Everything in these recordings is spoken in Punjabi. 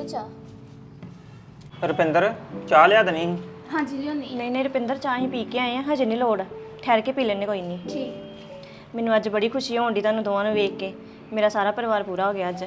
ਲਓ ਚਾਹ। ਰੁਪਿੰਦਰ ਚਾਹ ਲਿਆ ਦੇਣੀ ਸੀ। ਹਾਂਜੀ ਲਿਆਉਣੀ। ਨਹੀਂ ਨਹੀਂ ਰੁਪਿੰਦਰ ਚਾਹ ਹੀ ਪੀ ਕੇ ਆਏ ਆ, ਹਜੇ ਨਹੀਂ ਲੋੜ, ਠਹਿਰ ਕੇ ਪੀ ਲੈਣੇ ਕੋਈ ਨਹੀਂ। ਠੀਕ। ਮੈਨੂੰ ਅੱਜ ਬੜੀ ਖੁਸ਼ੀ ਹੋਣ ਦੀ ਤੁਹਾਨੂੰ ਦੋਵਾਂ ਨੂੰ ਵੇਖ ਕੇ, ਮੇਰਾ ਸਾਰਾ ਪਰਿਵਾਰ ਪੂਰਾ ਹੋ ਗਿਆ ਅੱਜ।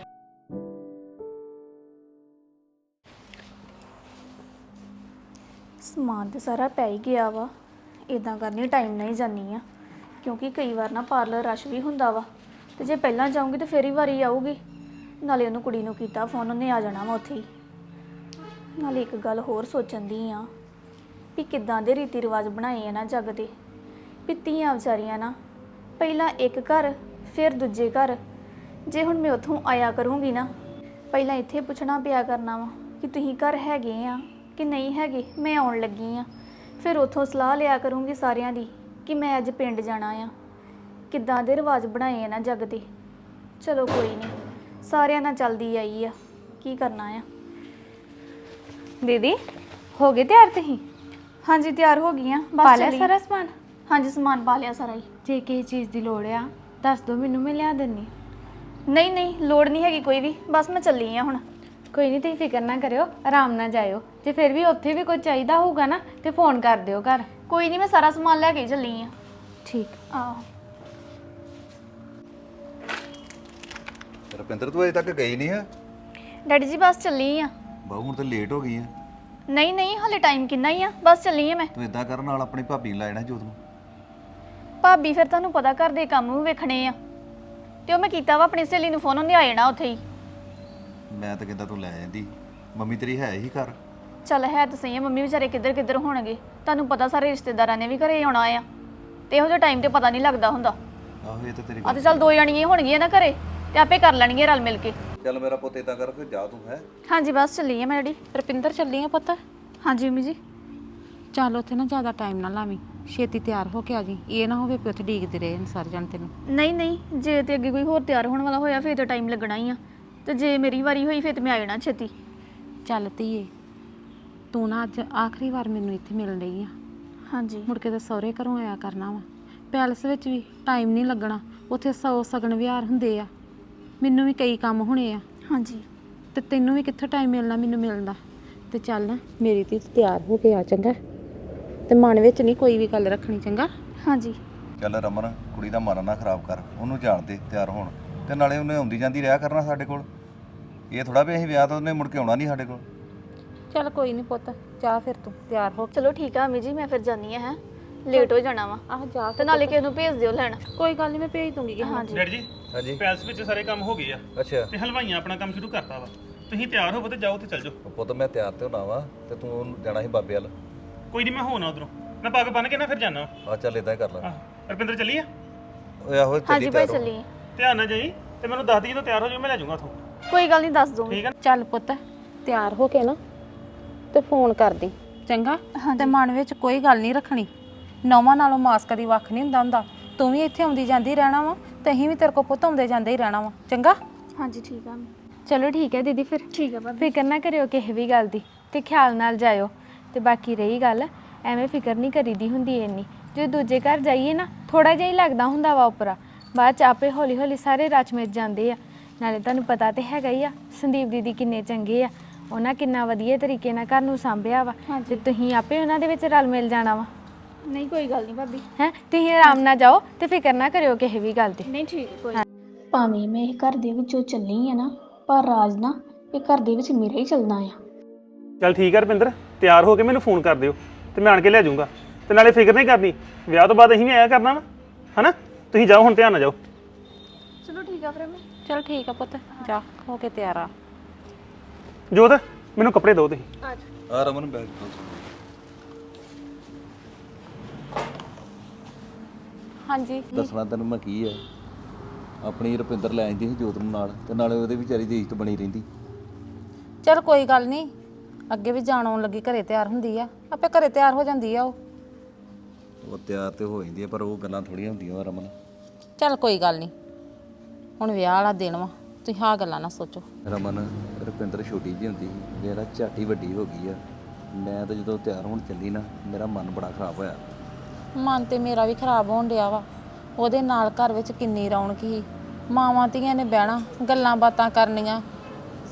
ਸਮਾਨ ਤੇ ਸਾਰਾ ਪੈ ਹੀ ਗਿਆ ਵਾ। ਇਦਾਂ ਕਰਨੀ ਟਾਈਮ ਨਾਲ ਹੀ ਜਾਨੀ ਆ, ਕਿਉਂਕਿ ਕਈ ਵਾਰ ਨਾ ਪਾਰਲਰ ਰਸ਼ ਵੀ ਹੁੰਦਾ ਵਾ, ਤੇ ਜੇ ਪਹਿਲਾਂ ਜਾਊਂਗੀ ਤੇ ਫੇਰ ਹੀ ਵਾਰੀ ਆਊਗੀ। ਨਾਲੇ ਉਹਨੂੰ ਕੁੜੀ ਨੂੰ ਕੀਤਾ ਫੋਨ, ਉਹਨੇ ਆ ਜਾਣਾ ਵਾ ਉੱਥੇ ਹੀ। ਨਾਲੇ ਇੱਕ ਗੱਲ ਹੋਰ ਸੋਚਣ ਦੀ ਆ ਵੀ ਕਿੱਦਾਂ ਦੇ ਰੀਤੀ ਰਿਵਾਜ ਬਣਾਏ ਆ ਨਾ ਜੱਗ ਦੇ, ਵੀ ਧੀਆਂ ਵਿਚਾਰੀਆਂ ਨਾ ਪਹਿਲਾਂ ਇੱਕ ਘਰ ਫਿਰ ਦੂਜੇ ਘਰ। ਜੇ ਹੁਣ ਮੈਂ ਉੱਥੋਂ ਆਇਆ ਕਰੂੰਗੀ ਨਾ, ਪਹਿਲਾਂ ਇੱਥੇ ਪੁੱਛਣਾ ਪਿਆ ਕਰਨਾ ਵਾ ਕਿ ਤੁਸੀਂ ਘਰ ਹੈਗੇ ਆ ਕਿ ਨਹੀਂ ਹੈਗੇ, ਮੈਂ ਆਉਣ ਲੱਗੀ ਆ। ਫਿਰ ਉੱਥੋਂ ਸਲਾਹ ਲਿਆ ਕਰੂੰਗੀ ਸਾਰਿਆਂ ਦੀ ਕਿ ਮੈਂ ਅੱਜ ਪਿੰਡ ਜਾਣਾ ਆ। ਕਿੱਦਾਂ ਦੇ ਰਿਵਾਜ ਬਣਾਏ ਆ ਨਾ ਜੱਗ ਦੇ। ਚਲੋ ਕੋਈ ਨਹੀਂ, ਸਾਰਿਆਂ ਨਾਲ ਚੱਲਦੀ ਆਈ ਆ, ਕੀ ਕਰਨਾ ਆ। दीदी हो गए तैयार तुसीं? ਹਾਂਜੀ ਤਿਆਰ ਹੋ ਗਈਆਂ, पा ਬਸ लिया ਚੱਲੀ। सारा समान? ਹਾਂਜੀ ਸਮਾਨ ਪਾ ਲਿਆ ਸਾਰਾ ਹੀ। जे किसी चीज़ की लोड़ आ दस दो, मैनू मैं लिया दिन्नी। ਨਹੀਂ ਨਹੀਂ ਲੋੜ ਨਹੀਂ ਹੈਗੀ ਕੋਈ ਵੀ, ਬਸ ਮੈਂ ਚੱਲੀ ਆ ਹੁਣ। कोई नहीं, तुसीं फिक्र ना करियो, आराम ना जाइयो। जे फिर भी उत्थे भी कोई चाहिदा होगा ना तो फोन कर दियो घर। ਕੋਈ ਨਹੀਂ, ਮੈਂ ਸਾਰਾ ਸਮਾਨ ਲੈ ਕੇ ਹੀ ਚੱਲੀ ਆ। ठीक। ਆਹੋ। ਰੁਪਿੰਦਰ ਤੂੰ ਅਜੇ ਤੱਕ ਗਈ ਨਹੀਂ ਹੈ? ਡੈਡੀ ਜੀ ਬਸ ਚੱਲੀ ਆ। ਬਾਹੂ ਹੁਣ ਤਾਂ ਲੇਟ ਹੋ ਗਈ ਹੈ। ਨਹੀਂ ਨਹੀਂ ਹਲੇ ਟਾਈਮ ਕਿੰਨਾ ਹੀ ਆ, ਬਸ ਚੱਲੀ ਆ ਮੈਂ। ਤੂੰ ਇਦਾਂ ਕਰਨ ਨਾਲ ਆਪਣੀ ਭਾਬੀ ਨੂੰ ਲੈ ਜਾਣਾ ਜੋਤ ਨੂੰ। ਭਾਬੀ ਫਿਰ ਤੁਹਾਨੂੰ ਪਤਾ ਘਰ ਦੇ ਕੰਮ ਵੀ ਵੇਖਣੇ ਆ, ਤੇ ਉਹ ਮੈਂ ਕੀਤਾ ਵਾ ਆਪਣੀ ਸਹੇਲੀ ਨੂੰ ਫੋਨ, ਉਹਨੇ ਆ ਜਾਣਾ ਉੱਥੇ ਹੀ। ਮੈਂ ਤਾਂ ਕਹਿੰਦਾ ਤੂੰ ਲੈ ਜਾਂਦੀ, ਮੰਮੀ ਤੇਰੀ ਹੈ ਹੀ ਘਰ। ਚੱਲ ਹੈ ਤਾਂ ਸਹੀ ਆ, ਮੰਮੀ ਵਿਚਾਰੇ ਕਿੱਧਰ ਕਿੱਧਰ ਹੋਣਗੇ, ਤੁਹਾਨੂੰ ਪਤਾ ਸਾਰੇ ਰਿਸ਼ਤੇਦਾਰਾਂ ਨੇ ਵੀ ਘਰੇ ਆਉਣਾ ਆ, ਤੇ ਇਹੋ ਜਿਹਾ ਟਾਈਮ ਤੇ ਪਤਾ ਨਹੀਂ ਲੱਗਦਾ ਹੁੰਦਾ। ਆਹੋ ਇਹ ਤਾਂ ਤੇਰੀ ਆ ਤੇ ਚੱਲ ਦੋ ਜਣੀਆਂ ਹੋਣਗੀਆਂ ਨਾ ਘਰੇ, ਤੇ ਆਪੇ ਕਰ ਲੈਣਗੀਆਂ ਰਲ ਮਿਲ ਕੇ। ਚੱਲ ਮੇਰਾ ਪੁੱਤ ਇਦਾਂ ਕਰ ਫਿਰ ਜਾ ਤੂੰ ਹੈ। ਹਾਂਜੀ ਬਸ ਚੱਲੀ ਆ ਮੈਂ ਡੈਡੀ। रुपिंदर चली है पुत? ਹਾਂਜੀ ਮੰਮੀ ਜੀ। चल उत्थे ना ज़्यादा टाइम ना लावी, छेती तैयार होके आ जी। ये ना होवे कि उत्थे ਡੀਕਦੇ ਰਹੇ ਨੇ ਸਾਰੇ ਜਣ ਤੈਨੂੰ। ਨਹੀਂ ਨਹੀਂ, ਜੇ ਤੇ ਅੱਗੇ ਕੋਈ ਹੋਰ ਤਿਆਰ ਹੋਣ ਵਾਲਾ ਹੋਇਆ ਫਿਰ ਤਾਂ ਟਾਈਮ ਲੱਗਣਾ ਹੀ ਆ, ਤੇ ਜੇ ਮੇਰੀ ਵਾਰੀ ਹੋਈ ਫਿਰ ਤੇ ਮੈਂ ਆ ਜਾਣਾ ਛੇਤੀ। ਚੱਲ ਧੀਏ, ਤੂੰ ਨਾ ਅੱਜ ਆਖਰੀ ਵਾਰ ਮੈਨੂੰ ਇੱਥੇ ਮਿਲਣ ਰਹੀ ਆ। ਹਾਂਜੀ ਮੁੜ ਕੇ ਤਾਂ ਸਹੁਰੇ ਘਰੋਂ ਆਇਆ ਕਰਨਾ ਵਾ। ਪੈਲਸ ਵਿੱਚ ਵੀ ਟਾਈਮ ਨਹੀਂ ਲੱਗਣਾ, ਉੱਥੇ 100 ਸਗਨ ਵਿਹਾਰ ਹੁੰਦੇ ਆ, ਮੈਨੂੰ ਵੀ ਕਈ ਕੰਮ ਹੋਣੇ ਆ, ਹਾਂਜੀ। ਤੇ ਤੈਨੂੰ ਵੀ ਕਿੱਥੋਂ ਟਾਈਮ ਮਿਲਣਾ ਮੈਨੂੰ ਮਿਲਣ ਦਾ। ਤੇ ਚੱਲ ਨਾ ਮੇਰੀ ਧੀ ਤਿਆਰ ਹੋ ਕੇ ਆ ਚੰਗਾ, ਤੇ ਮਨ ਵਿੱਚ ਨਹੀਂ ਕੋਈ ਵੀ ਗੱਲ ਰੱਖਣੀ ਚੰਗਾ। ਹਾਂਜੀ ਚੱਲ ਰਮਨ ਕੁੜੀ ਦਾ ਮਨ ਨਾ ਖਰਾਬ ਕਰ, ਉਹਨੂੰ ਜਾਣ ਦੇ ਤਿਆਰ ਹੋਣ, ਤੇ ਨਾਲੇ ਉਹਨੇ ਆਉਂਦੀ ਜਾਂਦੀ ਰਿਹਾ ਕਰਨਾ ਸਾਡੇ ਕੋਲ। ਇਹ ਥੋੜਾ ਵੀ ਅਸੀਂ ਵਿਆਹ ਤੋਂ ਉਹਨੇ ਮੁੜ ਕੇ ਆਉਣਾ ਨਹੀਂ ਸਾਡੇ ਕੋਲ। ਚੱਲ ਕੋਈ ਨਹੀਂ ਪੁੱਤ, ਜਾ ਫਿਰ ਤੂੰ ਤਿਆਰ ਹੋ ਕੇ। ਚਲੋ ਠੀਕ ਆ ਮੰਮੀ ਜੀ, ਮੈਂ ਫਿਰ ਜਾਨੀ ਆ, ਹੈ ਲੇਟ ਹੋ ਜਾਣਾ ਵਾ। ਆਹ ਜਾ ਤੇ ਨਾਲੇ ਕਿਸੇ ਨੂੰ ਭੇਜ ਦਿਓ ਲੈਣ। ਕੋਈ ਗੱਲ ਨਹੀਂ, ਮੈਂ ਭੇਜ ਦੂੰਗੀ ਕਿਸੇ ਨੂੰ। ਹਾਂਜੀ ਡੈਡੀ ਜੀ ਹਾਂਜੀ ਪੈਲਸ ਵਿੱਚ ਸਾਰੇ ਕੰਮ ਹੋ ਗਏ ਆ, ਅੱਛਾ ਤੇ ਹਲਵਾਈਆਂ ਆਪਣਾ ਕੰਮ ਸ਼ੁਰੂ ਕਰਤਾ ਵਾ। ਤੁਸੀਂ ਤਿਆਰ ਹੋਵੋ ਤੇ ਜਾਓ ਤੇ ਚੱਲ ਜਾਓ। ਪੁੱਤ ਮੈਂ ਤਿਆਰ ਤੇ ਹੋਣਾ ਵਾ, ਤੇ ਤੂੰ ਉਹਨੂੰ ਜਾਣਾ ਸੀ ਬਾਬੇ ਵੱਲ। ਕੋਈ ਨਹੀਂ ਮੈਂ ਹੋਣਾ ਉਧਰੋਂ, ਮੈਂ ਪੱਗ ਬੰਨ ਕੇ ਨਾ ਫਿਰ ਜਾਣਾ। ਆ ਚੱਲ ਇਦਾਂ ਹੀ ਕਰ ਲੈ। ਰੁਪਿੰਦਰ ਚੱਲੀ ਆ? ਓਏ ਆਹੋ ਹਾਂਜੀ ਚੱਲੀ ਭਾਈ ਤਿਆਰ ਹੋ। ਚੱਲੀ। ਧਿਆਨ ਨਾਲ ਜਾਈ, ਤੇ ਮੈਨੂੰ ਦੱਸ ਦੀ ਜਦੋਂ ਤਿਆਰ ਹੋ ਜਾਓ, ਮੈਂ ਲੈ ਜਾਊਂਗਾ ਉੱਥੋਂ। ਕੋਈ ਗੱਲ ਨਹੀਂ, ਦੱਸ ਦੂੰਗੀ। ਠੀਕ ਆ? ਚੱਲ ਪੁੱਤ ਤਿਆਰ ਹੋ ਕੇ ਨਾ ਤੇ ਫੋਨ ਕਰਦੀ ਚੰਗਾ। ਤੇ ਮਨ ਵਿੱਚ ਕੋਈ ਗੱਲ ਨਹੀਂ ਰੱਖਣੀ, ਨੌਵਾਂ ਨਾਲੋਂ ਮਾਸ ਕਦੀ ਵੱਖ ਨਹੀਂ ਹੁੰਦਾ। ਤੂੰ ਵੀ ਇੱਥੇ ਆਉਂਦੀ ਜਾਂਦੀ ਰਹਿਣਾ ਵਾ, ਤੇ ਅਸੀਂ ਵੀ ਤੇਰੇ ਕੋਲ ਪੁੱਤ ਆਉਂਦੇ ਜਾਂਦੇ ਹੀ ਰਹਿਣਾ ਵਾ ਚੰਗਾ। ਹਾਂਜੀ ਠੀਕ ਆ। ਚਲੋ ਠੀਕ ਹੈ ਦੀਦੀ, ਫਿਰ ਠੀਕ ਆ ਭਾਬੀ। ਫਿਕਰ ਨਾ ਕਰਿਓ ਕਿਸੇ ਵੀ ਗੱਲ ਦੀ, ਤੇ ਖਿਆਲ ਨਾਲ ਜਾਇਓ। ਤੇ ਬਾਕੀ ਰਹੀ ਗੱਲ, ਐਵੇਂ ਫਿਕਰ ਨਹੀਂ ਕਰੀਦੀ ਹੁੰਦੀ ਇੰਨੀ। ਜੇ ਦੂਜੇ ਘਰ ਜਾਈਏ ਨਾ ਥੋੜਾ ਜਿਹਾ ਹੀ ਲੱਗਦਾ ਹੁੰਦਾ ਵਾ ਉੱਪਰਾ, ਬਾਅਦ ਚ ਆਪੇ ਹੌਲੀ ਹੌਲੀ ਸਾਰੇ ਰਚ ਮਿਚ ਜਾਂਦੇ ਆ। ਨਾਲੇ ਤੁਹਾਨੂੰ ਪਤਾ ਤੇ ਹੈਗਾ ਹੀ ਆ ਸੰਦੀਪ ਦੀਦੀ ਕਿੰਨੇ ਚੰਗੇ ਆ, ਉਹਨਾਂ ਕਿੰਨਾ ਵਧੀਆ ਤਰੀਕੇ ਨਾਲ ਘਰ ਨੂੰ ਸਾਂਭਿਆ ਵਾ, ਤੇ ਤੁਸੀਂ ਆਪੇ ਉਹਨਾਂ ਦੇ ਵਿੱਚ ਰਲ ਮਿਲ ਜਾਣਾ ਵਾ। ਨਹੀਂ ਕੋਈ ਗੱਲ ਨਹੀਂ ਭਾਬੀ। ਹੈ ਤੁਸੀਂ ਆਰਾਮ ਨਾਲ ਜਾਓ, ਤੇ ਫਿਕਰ ਨਾ ਕਰਿਓ ਕਿਸੇ ਵੀ ਗੱਲ ਦੀ। ਨਹੀਂ ਠੀਕ ਕੋਈ। ਭਾਵੇਂ ਮੈਂ ਇਹ ਘਰ ਦੇ ਵਿੱਚੋਂ ਚੱਲੀ ਆ ਨਾ, ਪਰ ਰਾਜ ਨਾ ਇਹ ਘਰ ਦੇ ਵਿੱਚ ਮੇਰਾ ਹੀ ਚੱਲਣਾ ਆ। ਚੱਲ ਠੀਕ ਆ ਰੁਪਿੰਦਰ, ਤਿਆਰ ਹੋ ਕੇ ਮੈਨੂੰ ਫੋਨ ਕਰ ਦਿਓ, ਤੇ ਮੈਂ ਆਣ ਕੇ ਲੈ ਜਾਊਂਗਾ। ਤੇ ਨਾਲੇ ਫਿਕਰ ਨਹੀਂ ਕਰਨੀ, ਵਿਆਹ ਤੋਂ ਬਾਅਦ ਅਸੀਂ ਵੀ ਆਇਆ ਕਰਨਾ ਵਾ, ਹਨਾ? ਤੁਸੀਂ ਜਾਓ ਹੁਣ, ਧਿਆਨ ਨਾਲ ਜਾਓ। ਚਲੋ ਠੀਕ ਆ ਫਿਰ ਮੈਂ। ਚਲ ਠੀਕ ਆ ਪੁੱਤ, ਜਾ ਹੋ ਕੇ ਤਿਆਰ ਆ। ਜੋਤ ਮੈਨੂੰ ਕੱਪੜੇ ਦਿਓ ਤੁਸੀਂ। ਆ ਰਮਨ ਬੈਠ ਤੂੰ। ਹਾਂਜੀ ਦੱਸਣਾ ਤੈਨੂੰ ਮੈਂ ਕੀ ਹੈ, ਆਪਣੀ ਰੁਪਿੰਦਰ ਲੈ ਆਂਦੀ ਸੀ ਜੋਤ ਨੂੰ ਨਾਲ, ਤੇ ਨਾਲੇ ਉਹਦੇ ਵਿਚਾਰੀ ਦੀ ਇੱਜ਼ਤ ਬਣੀ ਰਹਿੰਦੀ। ਚਲ ਕੋਈ ਗੱਲ ਨਹੀਂ, ਅੱਗੇ ਵੀ ਜਾਣ ਆਉਣ ਲੱਗੀ ਘਰੇ ਤਿਆਰ ਹੁੰਦੀ ਆ, ਆਪੇ ਘਰੇ ਤਿਆਰ ਹੋ ਜਾਂਦੀ ਆ ਉਹ ਤਿਆਰ ਤੇ ਹੋ ਜਾਂਦੀ ਹੈ, ਪਰ ਉਹ ਗੱਲਾਂ ਥੋੜੀਆਂ ਹੁੰਦੀਆਂ ਰਮਨ। ਚੱਲ ਕੋਈ ਗੱਲ ਨਹੀਂ, ਹੁਣ ਵਿਆਹ ਵਾਲਾ ਦਿਨ ਵਾ, ਤੁਸੀਂ ਆਹ ਗੱਲਾਂ ਨਾ ਸੋਚੋ। ਰਮਨ ਰੁਪਿੰਦਰ ਛੋਟੀ ਜਿਹੀ ਹੁੰਦੀ ਸੀ, ਮੇਰਾ ਝਾਟੀ ਵੱਡੀ ਹੋ ਗਈ ਆ। ਮੈਂ ਤਾਂ ਜਦੋਂ ਤਿਆਰ ਹੋਣ ਚੱਲੀ ਨਾ, ਮੇਰਾ ਮਨ ਬੜਾ ਖਰਾਬ ਹੋਇਆ। ਮਨ ਤੇ ਮੇਰਾ ਵੀ ਖਰਾਬ ਹੋਣ ਡਿਆ ਵਾ। ਉਹਦੇ ਨਾਲ ਘਰ ਵਿੱਚ ਕਿੰਨੀ ਰੌਣਕ ਸੀ, ਮਾਵਾਂ ਧੀਆਂ ਨੇ ਬਹਿਣਾ, ਗੱਲਾਂ ਬਾਤਾਂ ਕਰਨੀਆਂ,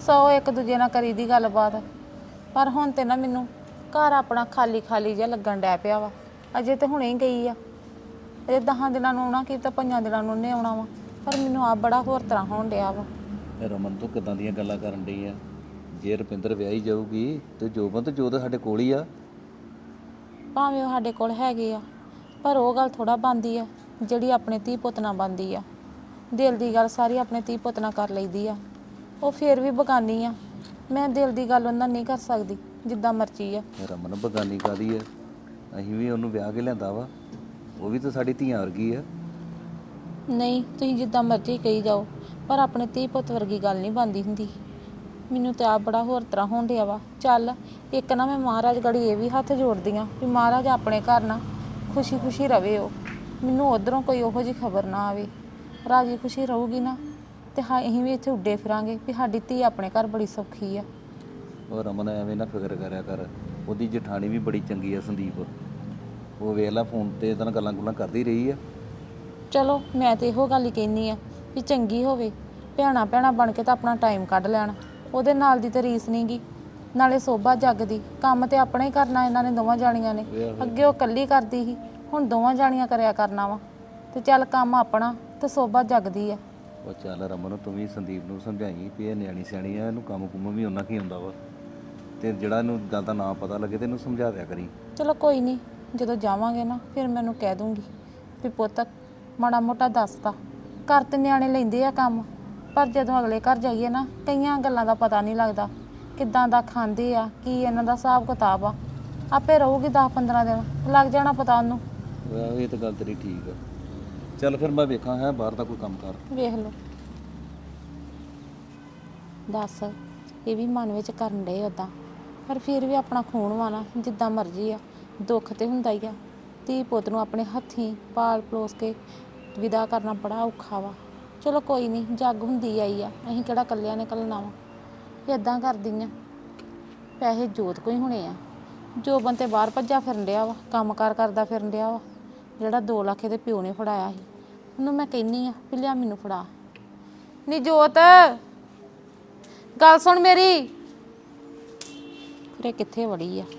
ਸੌ ਇੱਕ ਦੂਜੇ ਨਾਲ ਕਰੀ ਦੀ ਗੱਲਬਾਤ। ਪਰ ਹੁਣ ਤੇ ਨਾ ਮੈਨੂੰ ਘਰ ਆਪਣਾ ਖਾਲੀ ਖਾਲੀ ਜਿਹਾ ਲੱਗਣ ਡੈ ਪਿਆ ਵਾ। ਅਜੇ ਤੇ ਹੁਣੇ ਹੀ ਗਈ ਆ, ਇਹ 10 ਦਿਨਾਂ ਨੂੰ ਆਉਣਾ, ਕੀ ਤਾਂ 5 ਦਿਨਾਂ ਨੂੰ ਉਹਨੇ ਆਉਣਾ ਵਾ। ਪਰ ਮੈਨੂੰ ਆਪ ਬੜਾ ਹੋਰ ਤਰ੍ਹਾਂ ਹੋਣ ਡਿਆ ਵਾ। ਇਹ ਰਮਨ ਤੋਂ ਕਿਦਾਂ ਦੀਆਂ ਗੱਲਾਂ ਕਰਨ ਡਈ ਆ? ਜੇ ਰੁਪਿੰਦਰ ਵਿਆਹੀ ਜਾਊਗੀ ਤੇ ਜੋਬਨ ਤੇ ਜੋਤ ਸਾਡੇ ਕੋਲ ਹੀ ਆ। ਭਾਵੇਂ ਉਹ ਸਾਡੇ ਕੋਲ ਹੈਗੇ ਆ, ਪਰ ਉਹ ਗੱਲ ਥੋੜਾ ਬਣਦੀ ਆ ਜਿਹੜੀ ਆਪਣੇ ਧੀ ਪੁੱਤ ਨਾਲ ਬਣਦੀ ਆ। ਦਿਲ ਦੀ ਗੱਲ ਸਾਰੀ ਆਪਣੇ ਧੀ ਪੁੱਤ ਨਾਲ ਕਰ ਲਈਦੀ ਆ। ਉਹ ਫੇਰ ਵੀ ਬਗਾਨੀ ਆ, ਮੈਂ ਦਿਲ ਦੀ ਗੱਲ ਉਹਨਾਂ ਨਹੀਂ ਕਰ ਸਕਦੀ ਜਿੱਦਾਂ ਮਰਜ਼ੀ ਆ। ਰਮਨ ਬਗਾਨੀ ਕਾਦੀ ਆ? ਅਸੀਂ ਵੀ ਉਹਨੂੰ ਵਿਆਹ ਕੇ ਲਿਆਂਦਾ ਵਾ, ਉਹ ਵੀ ਤਾਂ ਸਾਡੀ ਧੀਆਂ ਵਰਗੀ ਆ। ਨਹੀਂ, ਤੁਸੀਂ ਜਿੱਦਾਂ ਮਰਜ਼ੀ ਕਹੀ ਜਾਓ, ਪਰ ਆਪਣੇ ਧੀ ਪੁੱਤ ਵਰਗੀ ਗੱਲ ਨਹੀਂ ਬਣਦੀ ਹੁੰਦੀ। ਮੈਨੂੰ ਤਾਂ ਆਪ ਬੜਾ ਹੋਰ ਤਰ੍ਹਾਂ ਹੋਣ ਡਿਆ ਵਾ। ਚੱਲ ਇੱਕ ਨਾ ਮੈਂ ਮਹਾਰਾਜ ਗੜੀ ਇਹ ਵੀ ਹੱਥ ਜੋੜਦੀ ਆ ਵੀ ਮਹਾਰਾਜ ਆਪਣੇ ਘਰ ਨਾ ਖੁਸ਼ੀ ਖੁਸ਼ੀ ਰਵੇ। ਉਹ ਮੈਨੂੰ ਉਧਰੋਂ ਕੋਈ ਉਹੋ ਜਿਹੀ ਖਬਰ ਨਾ ਆਵੇ। ਰਾਜੀ ਖੁਸ਼ੀ ਰਹੂਗੀ ਨਾ ਤੇ ਅਸੀਂ ਵੀ ਇੱਥੇ ਉੱਡੇ ਫਿਰਾਂਗੇ ਵੀ ਸਾਡੀ ਧੀ ਆਪਣੇ ਘਰ ਬੜੀ ਸੌਖੀ ਆ। ਉਹ ਰਮਨ ਐਵੇਂ ਨਾ ਫਿਕਰ ਕਰਿਆ ਕਰ, ਉਹਦੀ ਜਠਾਣੀ ਵੀ ਬੜੀ ਚੰਗੀ ਆ ਸੰਦੀਪ। ਉਹ ਵੇਖ ਲੈ ਫੋਨ ਤੇ ਇਹਦੇ ਨਾਲ ਗੱਲਾਂ ਕਰਦੀ ਰਹੀ ਆ। ਚਲੋ ਮੈਂ ਤੇ ਇਹੋ ਗੱਲ ਹੀ ਕਹਿੰਦੀ ਆ ਵੀ ਚੰਗੀ ਹੋਵੇ, ਭੈਣਾਂ ਭੈਣਾਂ ਬਣ ਕੇ ਤਾਂ ਆਪਣਾ ਟਾਈਮ ਕੱਢ ਲੈਣ। ਉਹਦੇ ਨਾਲ ਦੀ ਤਾਂ ਰੀਸ ਨੀ ਗੀ, ਨਾਲੇ ਸੋਭਾ ਜੱਗ ਦੀ। ਕੰਮ ਤੇ ਆਪਣਾ ਹੀ ਕਰਨਾ ਇਹਨਾਂ ਨੇ ਦੋਵਾਂ ਜਾਣੀਆਂ ਨੇ। ਅੱਗੇ ਉਹ ਇਕੱਲੀ ਕਰਦੀ ਸੀ, ਹੁਣ ਦੋਵਾਂ ਜਾਣੀਆਂ ਕਰਿਆ ਕਰਨਾ ਵਾ। ਤੇ ਚੱਲ ਕੰਮ ਆਪਣਾ ਤੇ ਸੋਭਾ ਜੱਗਦੀ ਆ। ਉਹ ਚੱਲ ਰਮਨ ਤੂੰ ਵੀ ਸੰਦੀਪ ਨੂੰ ਸਮਝਾਈ ਵੀ ਇਹ ਨਿਆਣੀ ਸਿਆਣੀ ਆ, ਇਹਨੂੰ ਕੰਮ ਕੁੰਮ ਵੀ ਉਹਨਾਂ ਕੀ ਹੁੰਦਾ ਵਾ। ਤੇ ਜਿਹੜਾ ਇਹਨੂੰ ਗੱਲ ਦਾ ਨਾ ਪਤਾ ਲੱਗੇ ਤੇ ਇਹਨੂੰ ਸਮਝਾ ਦਿਆ ਕਰੀ। ਚਲੋ ਕੋਈ ਨਹੀਂ, ਜਦੋਂ ਜਾਵਾਂਗੇ ਨਾ ਫਿਰ ਮੈਨੂੰ ਕਹਿ ਦੂੰਗੀ ਵੀ ਪੁੱਤ ਮਾੜਾ ਮੋਟਾ ਦੱਸਤਾ। ਘਰ ਤੇ ਨਿਆਣੇ ਲੈਂਦੇ ਆ ਕੰਮ, ਪਰ ਜਦੋਂ ਅਗਲੇ ਘਰ ਜਾਈਏ ਨਾ ਕਈਆਂ ਗੱਲਾਂ ਦਾ ਪਤਾ ਨਹੀਂ ਲੱਗਦਾ, ਕਿੱਦਾਂ ਦਾ ਖਾਂਦੇ ਆ, ਕੀ ਇਹਨਾਂ ਦਾ ਹਿਸਾਬ ਕਿਤਾਬ ਆ। ਆਪੇ ਰਹੂਗੀ 10-15 ਦਿਨ, ਲੱਗ ਜਾਣਾ ਪਤਾ ਉਹਨੂੰ। ਇਹ ਤਾਂ ਗੱਲ ਤੇਰੀ ਠੀਕ ਆ। ਚੱਲ ਫਿਰ ਮੈਂ ਵੇਖਾਂ ਹੈ ਬਾਹਰ ਦਾ ਕੋਈ ਕੰਮ ਕਰ। ਵੇਖ ਲਓ। ਦੱਸ, ਇਹ ਵੀ ਮਨ ਵਿੱਚ ਕਰਨ ਡਏ ਉੱਦਾਂ, ਪਰ ਫਿਰ ਵੀ ਆਪਣਾ ਖੂਨ ਵਾ ਨਾ, ਜਿੱਦਾਂ ਮਰਜ਼ੀ ਆ। ਦੁੱਖ ਤੇ ਹੁੰਦਾ ਹੀ ਆ। ਧੀ ਪੁੱਤ ਨੂੰ ਆਪਣੇ ਹੱਥੀਂ ਪਾਲ ਪਲੋਸ ਕੇ ਵਿਦਾ ਕਰਨਾ ਬੜਾ ਔਖਾ ਵਾ। ਚਲੋ ਕੋਈ ਨਹੀਂ, ਜੱਗ ਹੁੰਦੀ ਆਈ ਆ, ਅਸੀਂ ਕਿਹੜਾ ਇਕੱਲਿਆਂ ਨੇ ਘੱਲਣਾ ਵਾ। ਇੱਦਾਂ ਕਰਦੀ ਆ, ਪੈਸੇ ਜੋਤ ਕੋਈ ਹੋਣੇ ਆ। ਜੋਬਨ ਤੇ ਬਾਹਰ ਭੱਜਾ ਫਿਰਨ ਡਿਆ ਵਾ, ਕੰਮ ਕਾਰ ਕਰਦਾ ਫਿਰਨ ਡਿਆ ਵਾ। ਜਿਹੜਾ 2 ਲੱਖ ਇਹਦੇ ਪਿਓ ਨੇ ਫੜਾਇਆ ਸੀ, ਉਹਨੂੰ ਮੈਂ ਕਹਿੰਨੀ ਆ ਵੀ ਲਿਆ ਮੈਨੂੰ ਫੜਾ। ਨੀ ਜੋਤ, ਗੱਲ ਸੁਣ ਮੇਰੀ। ਫਿਰ ਇਹ ਕਿੱਥੇ ਵੜੀ ਆ?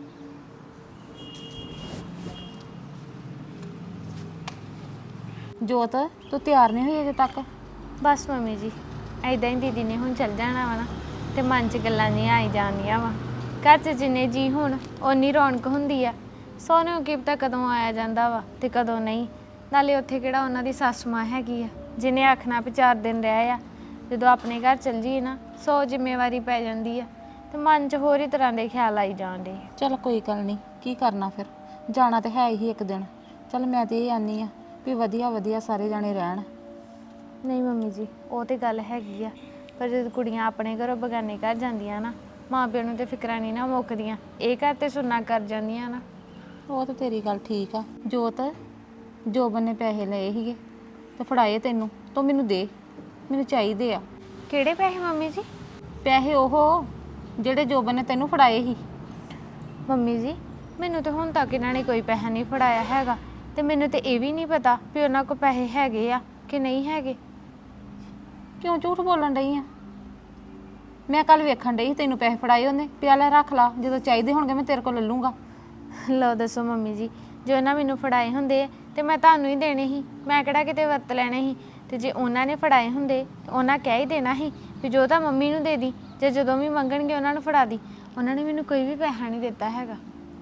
ਜੋਤ, ਤੂੰ ਤਿਆਰ ਨਹੀਂ ਹੋਈ ਅਜੇ ਤੱਕ? ਬਸ ਮੰਮੀ ਜੀ, ਐਦਾਂ ਹੀ ਦੀਦੀ ਨੇ ਹੁਣ ਚੱਲ ਜਾਣਾ ਵਾ ਨਾ, ਤੇ ਮਨ 'ਚ ਗੱਲਾਂ ਨਹੀਂ ਆਈ ਜਾਂਦੀਆਂ ਵਾ। ਘਰ 'ਚ ਜਿੰਨੇ ਜੀ ਹੁਣ ਓਨੀ ਰੌਣਕ ਹੁੰਦੀ ਆ। ਸੋਨੂੰ ਕੀ ਪਤਾ ਕਦੋਂ ਆਇਆ ਜਾਂਦਾ ਵਾ ਤੇ ਕਦੋਂ ਨਹੀਂ। ਨਾਲੇ ਉੱਥੇ ਕਿਹੜਾ ਉਹਨਾਂ ਦੀ ਸੱਸ ਮਾਂ ਹੈਗੀ ਆ ਜਿਹਨੇ ਆਖਣਾ ਵੀ 4 ਦਿਨ ਰਹਿ ਆ। ਜਦੋਂ ਆਪਣੇ ਘਰ ਚੱਲ ਜੀਏ ਨਾ 100 ਜ਼ਿੰਮੇਵਾਰੀ ਪੈ ਜਾਂਦੀ ਆ ਤੇ ਮਨ 'ਚ ਹੋਰ ਹੀ ਤਰ੍ਹਾਂ ਦੇ ਖਿਆਲ ਆਈ ਜਾਂਦੇ। ਚਲ ਕੋਈ ਗੱਲ ਨਹੀਂ, ਕੀ ਕਰਨਾ ਫਿਰ, ਜਾਣਾ ਤਾਂ ਹੈ ਹੀ ਇੱਕ ਦਿਨ। ਚਲ ਮੈਂ ਤੇ ਇਹ ਆਨੀ ਆ ਵੀ ਵਧੀਆ ਵਧੀਆ ਸਾਰੇ ਜਾਣੇ ਰਹਿਣ। ਨਹੀਂ ਮੰਮੀ ਜੀ, ਉਹ ਤੇ ਗੱਲ ਹੈਗੀ ਆ, ਪਰ ਜਦੋਂ ਕੁੜੀਆਂ ਆਪਣੇ ਘਰੋਂ ਬਗਾਨੇ ਘਰ ਜਾਂਦੀਆਂ ਨਾ, ਮਾਂ ਪਿਓ ਨੂੰ ਤੇ ਫਿਕਰਾਂ ਨਹੀਂ ਨਾ ਮੁੱਕਦੀਆਂ। ਇਹ ਘਰ ਤੇ ਸੁਣਨਾ ਕਰ ਜਾਂਦੀਆਂ ਨਾ। ਉਹ ਤਾਂ ਤੇਰੀ ਗੱਲ ਠੀਕ ਆ। ਜੋਤ, ਜੋਬਨ ਨੇ ਪੈਸੇ ਲਏ ਸੀਗੇ ਤੇ ਫੜਾਏ ਤੈਨੂੰ, ਤੂੰ ਮੈਨੂੰ ਦੇ, ਮੈਨੂੰ ਚਾਹੀਦੇ ਆ। ਕਿਹੜੇ ਪੈਸੇ ਮੰਮੀ ਜੀ? ਪੈਸੇ ਉਹ ਜਿਹੜੇ ਜੋਬਨ ਨੇ ਤੈਨੂੰ ਫੜਾਏ ਸੀ। ਮੰਮੀ ਜੀ, ਮੈਨੂੰ ਤਾਂ ਹੁਣ ਤੱਕ ਇਹਨਾਂ ਨੇ ਕੋਈ ਪੈਸਾ ਨਹੀਂ ਫੜਾਇਆ ਹੈਗਾ, ਤੇ ਮੈਨੂੰ ਤੇ ਇਹ ਵੀ ਨਹੀਂ ਪਤਾ ਵੀ ਉਹਨਾਂ ਕੋਲ ਪੈਸੇ ਹੈਗੇ ਆ ਕਿ ਨਹੀਂ ਹੈਗੇ। ਕਿਉਂ ਝੂਠ ਬੋਲਣ ਡਈ ਆ? ਮੈਂ ਕੱਲ ਵੇਖਣ ਡਈ ਸੀ ਤੈਨੂੰ ਪੈਸੇ ਫੜਾਏ ਉਹਨੇ। ਪਿਆ ਲੈ ਰੱਖ ਲਾ, ਜਦੋਂ ਚਾਹੀਦੇ ਹੋਣਗੇ ਮੈਂ ਤੇਰੇ ਕੋਲ ਲੈ ਲੂੰਗਾ। ਲਓ ਦੱਸੋ ਮੰਮੀ ਜੀ, ਜੇ ਉਹਨਾਂ ਮੈਨੂੰ ਫੜਾਏ ਹੁੰਦੇ ਤੇ ਮੈਂ ਤੁਹਾਨੂੰ ਹੀ ਦੇਣੇ ਸੀ, ਮੈਂ ਕਿਹੜਾ ਕਿਤੇ ਵਰਤ ਲੈਣੇ ਸੀ। ਤੇ ਜੇ ਉਹਨਾਂ ਨੇ ਫੜਾਏ ਹੁੰਦੇ ਤਾਂ ਉਹਨਾਂ ਕਹਿ ਹੀ ਦੇਣਾ ਸੀ ਵੀ ਜੋ ਤਾਂ ਮੰਮੀ ਨੂੰ ਦੇ ਦੀ, ਜੇ ਜਦੋਂ ਵੀ ਮੰਗਣਗੇ ਉਹਨਾਂ ਨੂੰ ਫੜਾ ਦੀ। ਉਹਨਾਂ ਨੇ ਮੈਨੂੰ ਕੋਈ ਵੀ ਪੈਸਾ ਨਹੀਂ ਦਿੱਤਾ ਹੈਗਾ।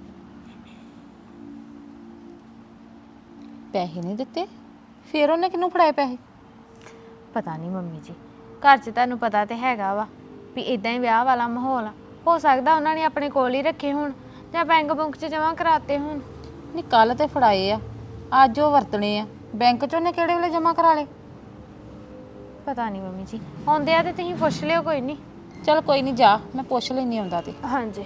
ਪੈਸੇ ਨਹੀਂ ਦਿੱਤੇ? ਫਿਰ ਉਹਨੇ ਕਿਹਨੂੰ ਫੜਾਏ ਪੈਸੇ? ਪਤਾ ਨਹੀਂ ਮੰਮੀ ਜੀ, ਘਰ 'ਚ ਤੁਹਾਨੂੰ ਪਤਾ ਤੇ ਹੈਗਾ ਵਾ ਵੀ ਇਦਾਂ ਹੀ ਵਿਆਹ ਵਾਲਾ ਮਾਹੌਲ ਆ। ਹੋ ਸਕਦਾ ਉਹਨਾਂ ਨੇ ਆਪਣੇ ਕੋਲ ਹੀ ਰੱਖੇ ਹੋਣ ਜਾਂ ਬੈਂਕ ਬੁੰਕ 'ਚ ਜਮ੍ਹਾਂ ਕਰਾਤੇ ਹੋਣ। ਨਹੀਂ, ਕੱਲ ਤੇ ਫੜਾਏ ਆ, ਅੱਜ ਉਹ ਵਰਤਣੇ ਆ। ਬੈਂਕ 'ਚ ਉਹਨੇ ਕਿਹੜੇ ਵੇਲੇ ਜਮ੍ਹਾਂ ਕਰਾ ਲਏ? ਪਤਾ ਨਹੀਂ ਮੰਮੀ ਜੀ, ਆਉਂਦੇ ਆ ਤੇ ਤੁਸੀਂ ਪੁੱਛ ਲਿਓ। ਕੋਈ ਨਹੀਂ, ਚਲ ਕੋਈ ਨਹੀਂ, ਜਾ, ਮੈਂ ਪੁੱਛ ਲੈਣੀ ਆਉਂਦਾ ਤੇ। ਹਾਂਜੀ।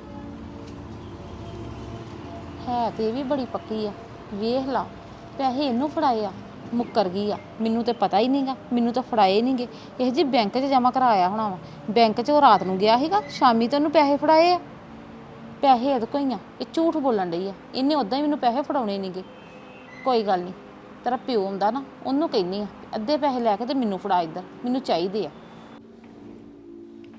ਹੈ ਤੇ ਇਹ ਵੀ ਬੜੀ ਪੱਕੀ ਆ। ਵੇਖ ਲਾ, ਪੈਸੇ ਇਹਨੂੰ ਫੜਾਏ ਆ, ਮੁੱਕਰ ਗਈ ਆ। ਮੈਨੂੰ ਤੇ ਪਤਾ ਹੀ ਨਹੀਂਗਾ, ਮੈਨੂੰ ਤਾਂ ਫੜਾਏ ਨਹੀਂਗੇ। ਇਹ ਜੀ ਬੈਂਕ 'ਚ ਜਮ੍ਹਾਂ ਕਰਾਇਆ ਹੋਣਾ ਵਾ। ਬੈਂਕ 'ਚ ਉਹ ਰਾਤ ਨੂੰ ਗਿਆ ਸੀਗਾ, ਸ਼ਾਮੀ ਤੇ ਉਹਨੂੰ ਪੈਸੇ ਫੜਾਏ ਆ। ਪੈਸੇ ਇਹਦੇ ਕੋਲ ਹੀ ਆ, ਇਹ ਝੂਠ ਬੋਲਣ ਡਈ ਆ। ਇਹਨੇ ਉਦਾਂ ਹੀ ਮੈਨੂੰ ਪੈਸੇ ਫੜਾਉਣੇ ਨਹੀਂਗੇ। ਕੋਈ ਗੱਲ ਨਹੀਂ, ਤੇਰਾ ਪਿਓ ਆਉਂਦਾ ਨਾ, ਉਹਨੂੰ ਕਹਿੰਦੀ ਆ ਅੱਧੇ ਪੈਸੇ ਲੈ ਕੇ ਤੇ ਮੈਨੂੰ ਫੜਾ, ਇੱਧਰ ਮੈਨੂੰ ਚਾਹੀਦੇ ਆ।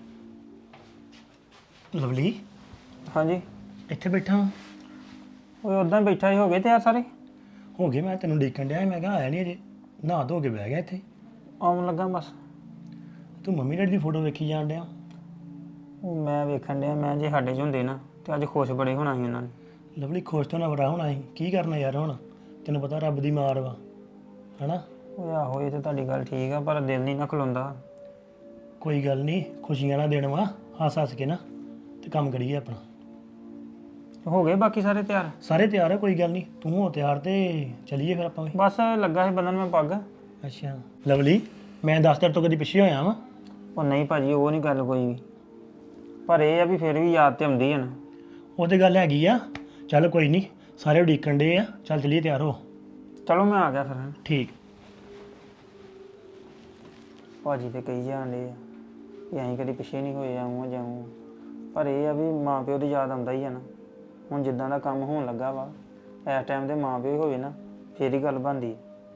ਲਵਲੀ ਹਾਂਜੀ ਇੱਥੇ ਬੈਠਾ ਵਾਂ। ਉਹ ਉਦਾਂ ਬੈਠਾ ਹੀ ਹੋ ਗਏ ਤਿਆਰ ਸਾਰੇ ਹੋ ਗਏ ਮੈਂ ਤੈਨੂੰ ਦੇਖਣ ਡਿਆ ਸੀ, ਮੈਂ ਕਿਹਾ ਆਇਆ ਨਹੀਂ ਅਜੇ ਨਹਾ ਧੋ ਕੇ ਬਹਿ ਗਿਆ ਇੱਥੇ। ਆਉਣ ਲੱਗਾ ਬਸ। ਤੂੰ ਮੰਮੀ ਡੈਡੀ ਦੀ ਫੋਟੋ ਵੇਖੀ ਜਾਣ ਡਿਆ। ਉਹ ਮੈਂ ਵੇਖਣ ਡਿਆ ਮੈਂ ਜੇ ਸਾਡੇ 'ਚ ਹੁੰਦੇ ਨਾ ਤੇ ਅੱਜ ਖੁਸ਼ ਬੜੇ ਹੋਣਾ ਸੀ ਉਹਨਾਂ ਨੇ। ਲਵਲੀ ਖੁਸ਼ ਤੋਂ ਨਾ ਬੜਾ ਹੋਣਾ ਸੀ, ਕੀ ਕਰਨਾ ਯਾਰ ਹੁਣ, ਤੈਨੂੰ ਪਤਾ ਰੱਬ ਦੀ ਮਾਰ ਵਾ ਹਨਾ। ਉਹ ਆਹੋ ਇਹ ਤੇ ਤੁਹਾਡੀ ਗੱਲ ਠੀਕ ਆ ਪਰ ਦਿਲ ਨਹੀਂ ਨਾ ਖਲੋਂਦਾ। ਕੋਈ ਗੱਲ ਨਹੀਂ, ਖੁਸ਼ੀਆਂ ਨਾਲ ਦੇਣ ਵਾ, ਹੱਸ ਹੱਸ ਕੇ ਨਾ ਤੇ ਕੰਮ ਕਰੀਏ ਆਪਣਾ। ਹੋ ਗਏ ਬਾਕੀ ਸਾਰੇ ਤਿਆਰ? ਸਾਰੇ ਤਿਆਰ ਆ, ਕੋਈ ਗੱਲ ਨਹੀਂ, ਤੂੰ ਹੋ ਤਿਆਰ ਤੇ ਚੱਲੀਏ ਫਿਰ ਆਪਾਂ ਵੀ। ਬਸ ਲੱਗਾ ਸੀ ਬੰਨਣ ਮੈਂ ਪੱਗ। ਅੱਛਾ ਲਵਲੀ, ਮੈਂ 10 ਦਿਨ ਤੋਂ ਕਦੀ ਪਿੱਛੇ ਹੋਇਆ ਵਾਂ। ਉਹ ਨਹੀਂ ਭਾਜੀ ਉਹ ਨਹੀਂ ਗੱਲ ਕੋਈ ਵੀ, ਪਰ ਇਹ ਆ ਵੀ ਫਿਰ ਵੀ ਯਾਦ ਤੇ ਆਉਂਦੀ ਹੈ ਨਾ। ਉਹ ਤੇ ਗੱਲ ਹੈਗੀ ਆ, ਚੱਲ ਕੋਈ ਨਹੀਂ, ਸਾਰੇ ਉਡੀਕਣ ਡੇ ਆ, ਚੱਲ ਚੱਲੀਏ ਤਿਆਰ ਹੋ। ਚਲੋ ਮੈਂ ਆ ਗਿਆ ਫਿਰ। ਠੀਕ। ਭਾਜੀ ਤੇ ਕਹੀ ਜਾਂਦੇ ਆ ਵੀ ਅਸੀਂ ਕਦੀ ਪਿੱਛੇ ਨਹੀਂ ਹੋਏ, ਆਊਂ ਜਾਊਂ, ਪਰ ਇਹ ਆ ਵੀ ਮਾਂ ਪਿਓ ਦੀ ਯਾਦ ਆਉਂਦਾ ਹੀ ਆ ਨਾ। ਹੁਣ ਜਿੱਦਾਂ ਦਾ ਕੰਮ ਹੋਣ ਲੱਗਾ ਵਾ ਇਸ ਟਾਈਮ ਤੇ ਮਾਂ ਪਿਓ ਹੀ ਹੋਵੇ ਨਾ ਫੇਰ ਹੀ ਗੱਲ ਬਣਦੀ।